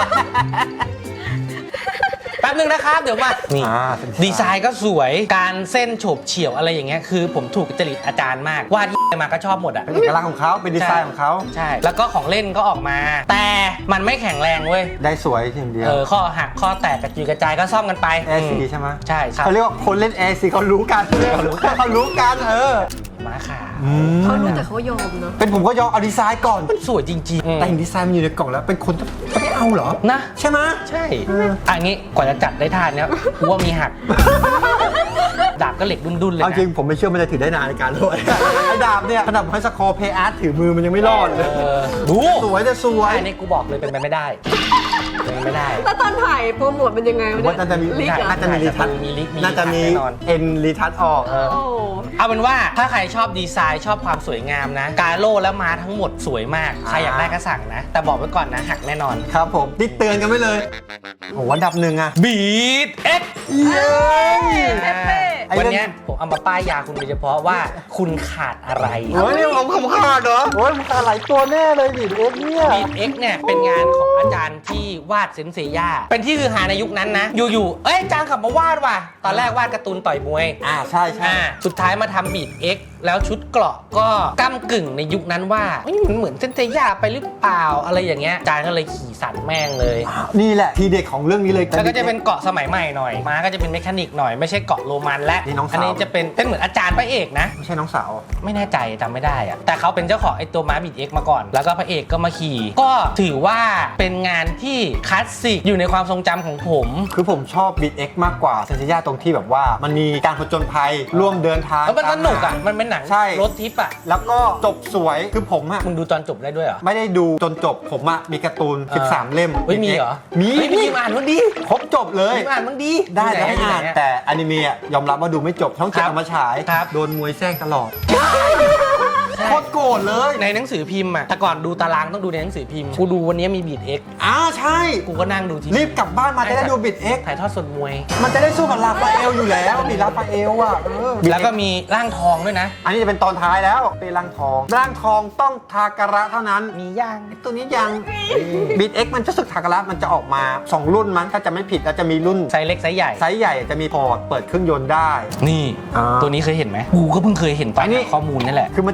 [SPEAKER 2] แป๊บนึงนะครับ เดี๋ยวมานี่
[SPEAKER 4] อ่า
[SPEAKER 2] ดีไซน์ก็สวยการเส้นโฉบเฉี่ยวอะไรอย่างเงี้ยคือผมถูกจริตอาจารย์มากวาดมาก็ชอบหมดอ่ะ
[SPEAKER 4] เป็นเอกลักษณ์ของเขาเป็นดีไซน์ของเขา
[SPEAKER 2] ใช่ แล้วก็ของเล่นก็ออกมา แต่มันไม่แข็งแรงเว้ย
[SPEAKER 4] ได้สวยทีเดียว
[SPEAKER 2] เออ ข้อหัก ข้อแตกกระจุยกระจายก็ซ่อมกันไป
[SPEAKER 4] แอร์ซี
[SPEAKER 2] อืม
[SPEAKER 4] ใช่ไหม
[SPEAKER 2] ใช่ครับ
[SPEAKER 4] เขาเรียกว่าคนเล่นแอร์ซีเขารู้กันเขารู้กันเขารู้กันเออ
[SPEAKER 2] ม้าขาว
[SPEAKER 3] เขารู้แต่เขายอมเนาะ
[SPEAKER 4] เป็นผมก็ยอมเอาดีไซน์ก่อน
[SPEAKER 2] มันสวยจริงๆ
[SPEAKER 4] แต่เห็นดีไซน์มันอยู่ในกล่องแล้วเป็นคนจะไม่เอาเหรอ
[SPEAKER 2] นะ
[SPEAKER 4] ใช่ไหม
[SPEAKER 2] ใช่อันนี้กว่าจะจัดได้ทานเนี้ยกูว่ามีหัก ดาบก็เหล็กดุนๆเลย
[SPEAKER 4] เอา
[SPEAKER 2] นะ
[SPEAKER 4] จริงผมไม่เชื่อมันจะถือได้นานในการโรย ไอ้ดาบเนี่ยขนาดผมให้สกอร์เพย์อาร์ตถือมือมันยังไม่รอดเลย
[SPEAKER 2] เออดู
[SPEAKER 4] สวยจะสวย
[SPEAKER 2] อันนี้กูบอกเลยเป็นไปไม่ได้เป็นไปไม่ได้
[SPEAKER 3] แล้วตอนถ่ายโปรโมทเป็นยังไง
[SPEAKER 4] ผม
[SPEAKER 3] วะ
[SPEAKER 4] ว่า
[SPEAKER 3] เนี่ย
[SPEAKER 4] น่าจะมี
[SPEAKER 3] ลิกเหรอ
[SPEAKER 4] น่าจะมีรีทัช
[SPEAKER 2] มีลิกมี
[SPEAKER 4] น่าจะมี
[SPEAKER 2] แน่นอน
[SPEAKER 4] เอ็นรีทัชออก
[SPEAKER 2] เออ
[SPEAKER 3] โอ้
[SPEAKER 2] เอาเป็นว่าถ้าใครชอบดีไซน์ชอบความสวยงามนะ กาโร่และม้าทั้งหมดสวยมาก ใครอยากได้ก็สั่งนะ แต่บอกไว้ก่อนนะ หักแน่นอน
[SPEAKER 4] ครับผมติดเตือนกันไว้เลยโอ้โหอันดับหนึ่งอะ
[SPEAKER 2] บีทเอ็ก
[SPEAKER 4] เย้ย
[SPEAKER 3] เอฟเฟ่
[SPEAKER 4] ไอ้
[SPEAKER 2] วัน
[SPEAKER 4] เรื่อง
[SPEAKER 2] เนี้ยผมเอามาป้ายยาคุณโดยเฉพาะว่าคุณขาดอะไร
[SPEAKER 4] โอ้ยนี่ผมขำขาดเหรอโอ้ยมันขาดหลายตัวแน่เลยดิเอ็กเนี่ย
[SPEAKER 2] บีทเอ็กเนี่ยเป็นงานของอาจารย์ที่วาดเซนเซย่าเป็นที่คือหาในยุคนั้นนะ อยู่ๆเอ้ยอาจารย์ขับมาวาดว่ะตอนแรกวาดการ์ตูนต่อยมวย
[SPEAKER 4] อ่าใช่ใช่
[SPEAKER 2] อ่าสุดท้ายมาทำบีทเอ็กแล้วชุดเกราะก็ก้ำกึ่งในยุคนั้นว่าเอ้ยมันเหมือนเซนเซย่าไปหรือเปล่าอะไรอย่างเงี้ยอาจารย์ก็เลยขี่สันแม่งเลย
[SPEAKER 4] นี่แหละทีเด็ดของเรื่องนี้เลย
[SPEAKER 2] แล้วก็จะเป็นเกาะสมัยใหม่หน่อยม้าก็จะเป็นเมคานิกหน่อยไม่ใช่เกาะโรมันและ
[SPEAKER 4] นี่น้องสาว
[SPEAKER 2] อันี้จะเป็นเป็นเหมือนอาจารย์พระเอกนะ
[SPEAKER 4] ไม่ใช่น้องสาว
[SPEAKER 2] ไม่แน่ใจจำไม่ได้อะแต่เขาเป็นเจ้าของไอ้ตัวม้าบีทเอ็กมาก่อน แล้วก็พระเอกก็มาขี่ ก็ถือว่าเป็นงานที่คลาสสิกอยู่ในความทรงจำของผม
[SPEAKER 4] คือผมชอบบีทเอ็กมากกว่าเซนเซย่าตรงที่แบบว่ามันมีการผจญภัยร่วมเดินทาง
[SPEAKER 2] แล้วมันสนุกอ่ะ
[SPEAKER 4] ตามหา
[SPEAKER 2] มันเป็นหนัง
[SPEAKER 4] ใช่
[SPEAKER 2] รถทิปอ่ะ
[SPEAKER 4] แล้วก็จบสวยคือผมอะ
[SPEAKER 2] มึงดูตอนจบได้ด้วยเหรอ
[SPEAKER 4] ไม่ได้ดูจนจบผมอะมีการ์ตูน
[SPEAKER 2] เออ
[SPEAKER 4] สิบสาม เล่ม
[SPEAKER 2] เฮ้ยมีเหรอ
[SPEAKER 4] มี
[SPEAKER 2] เฮ้ย
[SPEAKER 4] มี
[SPEAKER 2] มีอ่านมันดี
[SPEAKER 4] ครบจบเลย
[SPEAKER 2] มีอ่านมันดี
[SPEAKER 4] ได้แล้วให้อ่าน
[SPEAKER 2] ไหะ
[SPEAKER 4] แต่อนิเมะอะยอมรับว่าดูไม่จบช่องเจ็ด
[SPEAKER 2] ครับ
[SPEAKER 4] เอามาฉาย
[SPEAKER 2] ครับ
[SPEAKER 4] โดนมวยแทรกตลอด
[SPEAKER 2] ใช่
[SPEAKER 4] โคตรโกรธเลย
[SPEAKER 2] ในหนังสือพิมพ์อ่ะแต่ก่อนดูตารางต้องดูในหนังสือพิมพ์กูดูวันนี้มีบีทเอ็ก
[SPEAKER 4] อ้าวใช่
[SPEAKER 2] กูก็นั่งดูที
[SPEAKER 4] รีบกลับบ้านมาจะได้ดูบิดเอ็ก
[SPEAKER 2] ถ่ายทอดสดมวย
[SPEAKER 4] มันจะได้สู้กับลาฟาเอลอยู่แล้วมีลาฟาเอลอ่ะเออ
[SPEAKER 2] แล้วก็มีร่างทองด้วยนะ
[SPEAKER 4] อันนี้จะเป็นตอนท้ายแล้วเป็นร่างทองร่างทองต้องทาการะเท่านั้น
[SPEAKER 2] มีย่าง
[SPEAKER 4] ไอ้ตัวนี้ยังบิดเอ็กมันจะสึกทาการะมันจะออกมาสองรุ่นมั้งถ้าจะไม่ผิดแล้วจะมีรุ่น
[SPEAKER 2] ไซส์เล็กไซส์ใหญ่
[SPEAKER 4] ไซส์ใหญ่จะมีพอร์ตเปิดเครื่องยนต์ได้
[SPEAKER 2] นี่
[SPEAKER 4] อ่า
[SPEAKER 2] ตัวนี้เคยเห็นไหมกูก็เพิ่งเคยเห็นตอน
[SPEAKER 4] อันนี้
[SPEAKER 2] หาข้อมูลนี่แหละ
[SPEAKER 4] คือมันจะเหมือนเซนเซ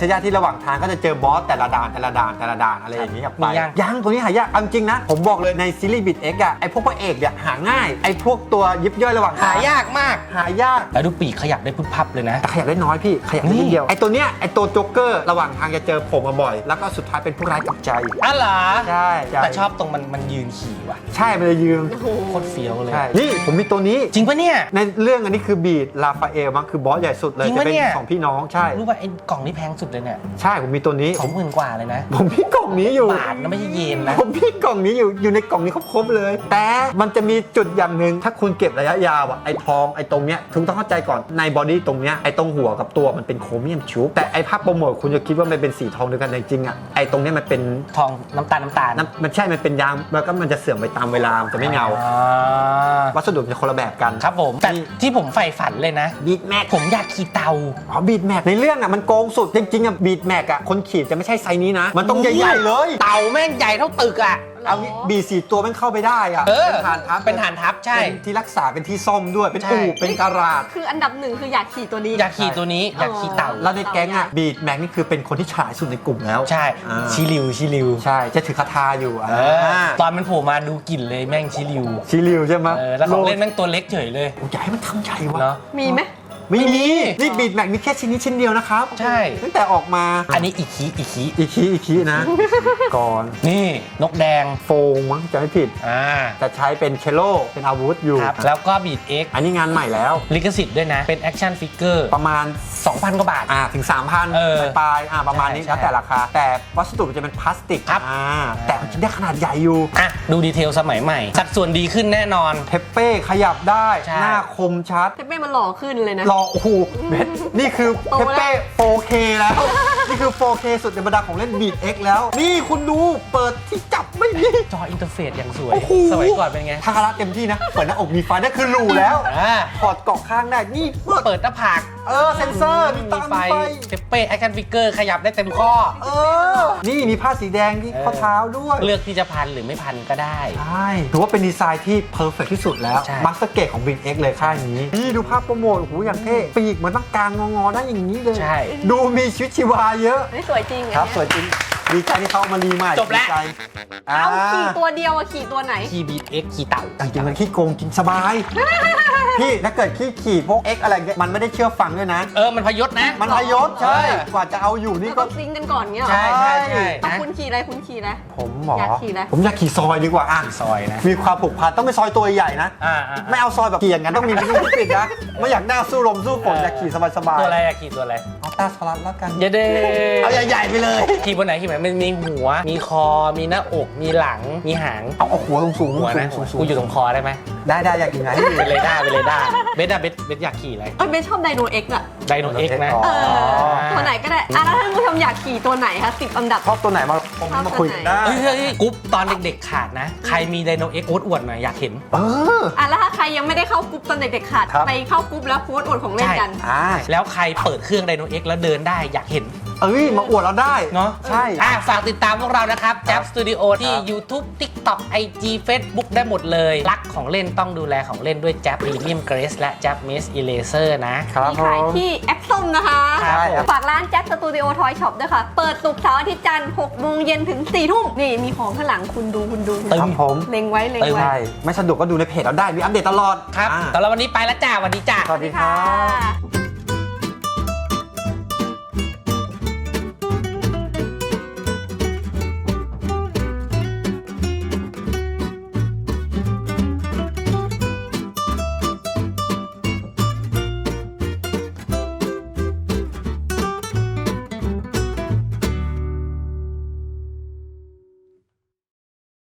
[SPEAKER 4] ยากที่ระหว่างทางก็จะเจอบอสแต่ละด่านแต่ละด่านแต่ละด่านอะไรอย่างนี้กลับไป
[SPEAKER 2] มียัง
[SPEAKER 4] ยังตัวนี้หายากเอาจริงนะผมบอกเลยในซีรีส์บิดเอ็กอะไอพวกพระเอกเนี่ยหาง่ายไอพวกตัวยิบย่อยระหว่างทาง
[SPEAKER 2] หายากมาก
[SPEAKER 4] หายาก
[SPEAKER 2] แล้วดูปีกขยับได้พึบพับเลยนะ
[SPEAKER 4] แต่ขยับได้น้อยพี่ขยับได้นิดเดียวไอตัวเนี้ยไอตัวโจ๊กเกอร์ระหว่างทางจะเจอผมมาบ่อย แล้วก็สุดท้ายเป็นผู้ร้ายกลับใจ
[SPEAKER 2] อ๋อเหรอ
[SPEAKER 4] ใช่ใช่
[SPEAKER 2] แต่ชอบตรงมันมันยืนขี่ว่ะ
[SPEAKER 4] ใช่มันเลยยืม
[SPEAKER 3] โอ้โห
[SPEAKER 2] โคตรเฟี้ยวเลย
[SPEAKER 4] ใช่นี่ผมมีตัวนี้
[SPEAKER 2] จริงปะเนี่ย
[SPEAKER 4] ในเรื่องอันนี้คือบีดลาฟาเอลมั้งคือบอสใหญ่สุดเลย
[SPEAKER 2] จริง
[SPEAKER 4] จะ
[SPEAKER 2] ปะ
[SPEAKER 4] เป็น
[SPEAKER 2] เนี่ย
[SPEAKER 4] สองพี่น้องใช่
[SPEAKER 2] รู้ป่ะไอ้กล่องนี้แพงสุดเลยเนี่ย
[SPEAKER 4] ใช่ผมมีตัวนี้
[SPEAKER 2] สองหมื่นกว่าเลยนะ
[SPEAKER 4] ผมมีกล่องนี้อยู่
[SPEAKER 2] บาทนะไม่ใช่เยนนะ
[SPEAKER 4] ผมมีกล่องนี้อยู่อยู่ในกล่องนี้ครบๆเลย แต่มันจะมีจุดอย่างหนึ่งถ้าคุณเก็บระยะยาวอะไอ้ทองไอ้ตรงเนี้ยคุณต้องเข้าใจก่อนในบอดี้ตรงเนี้ยไอ้ตรงหัวกับตัวมันเป็นโครเมียมชุบแต่ไอ้ภาพโปรโมทคุณจะคิดว่ามันเป็นสีทองเดียวกันแต่จริงอะไอ้ตรงเนี้ยมันเป็น
[SPEAKER 2] ทองน้ำตาลน้ำตาล
[SPEAKER 4] น้ำมันใช่มันเป็นยางแล้วก็มันจะเสื่อมไปตามเวลามันจะไม่เงา
[SPEAKER 2] อ่า
[SPEAKER 4] วัสดุมันจะคนละแบบกัน
[SPEAKER 2] ครับผมแต่ที่ผมใฝ่ฝันเลยนะ
[SPEAKER 4] บีดแม็ก
[SPEAKER 2] ผมอยากขี่เตา
[SPEAKER 4] อ๋อบีดแม็กในเรื่องอะมันโกงสุดจริงๆอะบีดแม็กอะคนขีดจะไม่ใช่ไซส์นี้นะ มันต้องใหญ่ๆเลย
[SPEAKER 2] เตาแม่งใหญ่เท่าตึกอ่ะ
[SPEAKER 4] เอางี้บีสี่ตัวมันเข้าไปได้อะ
[SPEAKER 2] เออ
[SPEAKER 4] เป็นฐานทัพ
[SPEAKER 2] เป็นฐานทัพใช่
[SPEAKER 4] เป็นที่รักษาเป็นที่ซ่อมด้วยเป็น
[SPEAKER 2] ใช่
[SPEAKER 4] อู่เป็นการาจ
[SPEAKER 3] คืออันดับหนึ่งคืออยากขี่ตัวนี้
[SPEAKER 2] อยากขี่ตัวนี้อยากขี่เตา
[SPEAKER 4] แล้วในแก๊งอะบีดแม็กนี่คือเป็นคนที่ฉลาดสุดในกลุ่มแล้ว
[SPEAKER 2] ใช่
[SPEAKER 4] อ่า
[SPEAKER 2] ชิลิวชิลิว
[SPEAKER 4] ใช่จะถือคาถาอยู่
[SPEAKER 2] เออตอนมันโผล่มาดูกลิ่นเลยแม่งชิลิว
[SPEAKER 4] ชิลิวใช่ไหม
[SPEAKER 2] เออแล้วของเล่นแม่งตัวเล็กเฉยเลย
[SPEAKER 4] โอ้ยอยากให้มันทำใหญ่วะ
[SPEAKER 2] เนาะ
[SPEAKER 3] มีไหม
[SPEAKER 4] ไม่มี
[SPEAKER 2] ไม่มี
[SPEAKER 4] นี่บีดแม็กมีแค่ชิ้นนี้ชิ้นเดียวนะครับ
[SPEAKER 2] ใช่
[SPEAKER 4] ตั้งแต่ออกมา
[SPEAKER 2] อันนี้อีกคีอีกคี
[SPEAKER 4] อีกคีอีกคีนะ ก่อน
[SPEAKER 2] นี่นกแดง
[SPEAKER 4] โฟงมั้งจะไม่ผิด
[SPEAKER 2] อ่า
[SPEAKER 4] จะใช้เป็นเชลโลเป็นอาวุธอยู่
[SPEAKER 2] ครับแล้วก็บีดเอ็ก
[SPEAKER 4] อันนี้งานใหม่แล้ว
[SPEAKER 2] ลิขสิทธิ์ด้วยนะ เป็นแอคชั่นฟิกเกอร์
[SPEAKER 4] ประมาณ
[SPEAKER 2] สองพันกว่าบาท
[SPEAKER 4] อ่าถึง สามพัน
[SPEAKER 2] เออ
[SPEAKER 4] ปลายๆอ่าประมาณนี้
[SPEAKER 2] ใช่
[SPEAKER 4] แล้วแต่ราคา แต่วัสดุมันจะเป็นพลาสติก
[SPEAKER 2] ครับ
[SPEAKER 4] อ่าแต่มันจะได้ขนาดใหญ่อยู่
[SPEAKER 2] อ่ะดูดีเทลสมัยใหม่ สัดส่วนดีขึ้นแน่นอน
[SPEAKER 4] เทปเป้ขยับได้
[SPEAKER 2] ใช่
[SPEAKER 4] หน้าคมชัด
[SPEAKER 3] เทปเป้มันหล่อขึ้นเลยนะ
[SPEAKER 4] รอโอ้โหเม็ดนี่คือ
[SPEAKER 3] โต
[SPEAKER 4] เทป
[SPEAKER 3] แล้ว
[SPEAKER 4] เป้ โฟเค แล้ว นี่คือ โฟเค สุดในบรรดาของเล่นบีดเอ็กแล้ว นี่คุณดูเปิดที่จับไม่มี
[SPEAKER 2] จออินเทอร์เฟซอย่างสวย
[SPEAKER 4] โอ้โห
[SPEAKER 2] สมัยก่อนเป็นไง
[SPEAKER 4] ทาคาระเต็มที่นะ เปิดหน้าอกมีไฟนั่นคือหรูแล้ว
[SPEAKER 2] อ่า
[SPEAKER 4] ถอดเกาะข้างได้ นี่เปิด
[SPEAKER 2] เปิดหน้าผาก
[SPEAKER 4] เออเซนเซอร์มีตามีไฟ
[SPEAKER 2] เทปเป้แอคชั่นฟิกเกอร์ขยับได้เต็มข้อ
[SPEAKER 4] เออ นี่มีผ้าสีแดงที่ข้อเท้าด้วย
[SPEAKER 2] เลือกที่จะพันหรือไม่พันก็ได้
[SPEAKER 4] ใช่ถือว่าเป็นดีไซน์ที่เพอร์เฟกที่สุดแล้ว
[SPEAKER 2] ใช่
[SPEAKER 4] มาสเตอร์เกตของ Big X เลยค่ายนี้ นี่ดูภาพโปรโมทโอ้โหอย่างเท่ ปีกมันตั้งกลางงอๆได้อย่างนี้เลย
[SPEAKER 2] ใช่
[SPEAKER 4] ดูมีชีวิตชีวาเยอะ
[SPEAKER 3] เฮ้ยสวยจริง
[SPEAKER 4] ครับ
[SPEAKER 3] อัน
[SPEAKER 4] สวยจริง ดีใจที่เขาเอามารีใหม่
[SPEAKER 2] จบแล้ว
[SPEAKER 4] ดีใจ
[SPEAKER 3] เนี้ยเอาขี่ตัวเดียวอะขี่ตัวไหน
[SPEAKER 2] คีย์บีดเอ็กคีย์เต่า
[SPEAKER 4] จริงๆมันขี้โกงจริงสบาย พี่ถ้าเกิดขี้ขี่พวก X อะไรเงี้ยมันไม่ได้เชื่อฟังด้วยนะ
[SPEAKER 2] เออมันพยศนะ
[SPEAKER 4] มันพยศใช่
[SPEAKER 2] เออ
[SPEAKER 4] กว่าจะเอาอยู่นี่
[SPEAKER 3] นี่
[SPEAKER 4] ก็
[SPEAKER 3] ก็ซิงค์กันก่อนเงี้ยเหรอ
[SPEAKER 2] ใช่ใช่ใช่
[SPEAKER 3] เอา
[SPEAKER 2] นะ
[SPEAKER 3] คุณขี่อะไรคุณขี่อะไร
[SPEAKER 4] ผมหมออย
[SPEAKER 3] ากขี่อะไร
[SPEAKER 4] ผมอยากขี่ซอยดีกว่าอ่ะ
[SPEAKER 2] ซอยนะ
[SPEAKER 4] มีความผูกพันต้องเป็นซอยตัวใหญ่นะ
[SPEAKER 2] อ่าอ่า
[SPEAKER 4] ไม่เอาซอยแบบเกี่ยงกันต้องมีที่ที่ปิดนะ ไม่อยากหน้าสู้ลมสู้ฝนอยากขี่สบาย
[SPEAKER 2] ตัวอะไรอะขี่ตัวอะไร
[SPEAKER 4] ๆเอาตาสลัดแล้วกัน
[SPEAKER 2] เยเด
[SPEAKER 4] เอาใหญ่ๆไปเลย
[SPEAKER 2] ขี่บนไหนขี่บนไหนมันมีหัว มีคอ มีหน้าอก มีหลัง มีหาง
[SPEAKER 4] เอาเอาหัวสูงๆ
[SPEAKER 2] หัวนะ
[SPEAKER 4] สูงๆ
[SPEAKER 2] กูอยู่ตรงคอได้ไหม
[SPEAKER 4] ได้ได้อยากกินไงให้ดู
[SPEAKER 2] เป็นเรดาร์เป็นเรดาร์เบสอะเบสเบสอยากขี่อะไร
[SPEAKER 3] เอ้ยเบนชอบไดโนเอ็กซ์อะ
[SPEAKER 2] ไดโนเอ็กนะ
[SPEAKER 4] อ๋อ
[SPEAKER 3] เออตัวไหนก็ได้อ่ะแล้วท่านผู้ชมอยากขี่ตัวไหนคะสิบอันดับ
[SPEAKER 4] ชอบตัวไหนมาคอมเมนต์มาคุยกันได้
[SPEAKER 2] เฮ้ยเฮ้ยเฮ้ยกรุ๊ปตอนเด็กๆขาดนะ ใครมีไดโนเอ็กโอ๊ตอวดหน่อยอยากเห็น
[SPEAKER 4] เออ
[SPEAKER 3] อ่ะแล้วถ้าใครยังไม่ได้เข้ากรุ๊ปตอนเด็กๆขาด
[SPEAKER 4] ครับ
[SPEAKER 3] ไปเข้ากรุ๊ปแล้วโพสต์อวดของเล่นกัน
[SPEAKER 4] อ่า
[SPEAKER 2] แล้วใครเปิดเครื่องไดโนเอ็กแล้วเดินได้อยากเห็น
[SPEAKER 4] เอ้ยมาอวดเราได้
[SPEAKER 2] เนาะ
[SPEAKER 4] ใช่
[SPEAKER 2] อ่ะฝากติดตามพวกเรานะครับ Jab Studio ที่ YouTube TikTok ไอ จี Facebook ได้หมดเลย รักของเล่นต้องดูแลของเล่นด้วย Jab Premium Grace และ Jab Mesh Eraser นะ
[SPEAKER 4] ครับ
[SPEAKER 3] มี
[SPEAKER 4] ผ
[SPEAKER 3] ขาย
[SPEAKER 4] ม
[SPEAKER 3] ที่แอปส้มนะคะ
[SPEAKER 2] ครับ
[SPEAKER 3] ฝากร้านแจ็คสตูดิโอทอยช็อปด้วยค่ะ เปิดศุกร์เสาร์อาทิตย์จันทร์หกโมงเย็นถึงสี่ทุ่มนี่มีของข้างหลังคุณดูคุณดูคุณ
[SPEAKER 2] ตึ
[SPEAKER 3] ดู
[SPEAKER 2] ง
[SPEAKER 4] ครับผม
[SPEAKER 3] เล็งไว้เล็ง
[SPEAKER 2] ตึง
[SPEAKER 3] ไว้
[SPEAKER 4] ใช่ไม่สะดวกก็ดูในเพจเราได้ มีอัปเดตตลอด
[SPEAKER 2] ครับ
[SPEAKER 4] อ่า
[SPEAKER 2] แต่ละวันนี้ไปแล้วจ้าสวัสดีจ้า
[SPEAKER 4] สวัสดีครับ
[SPEAKER 3] ค่ะ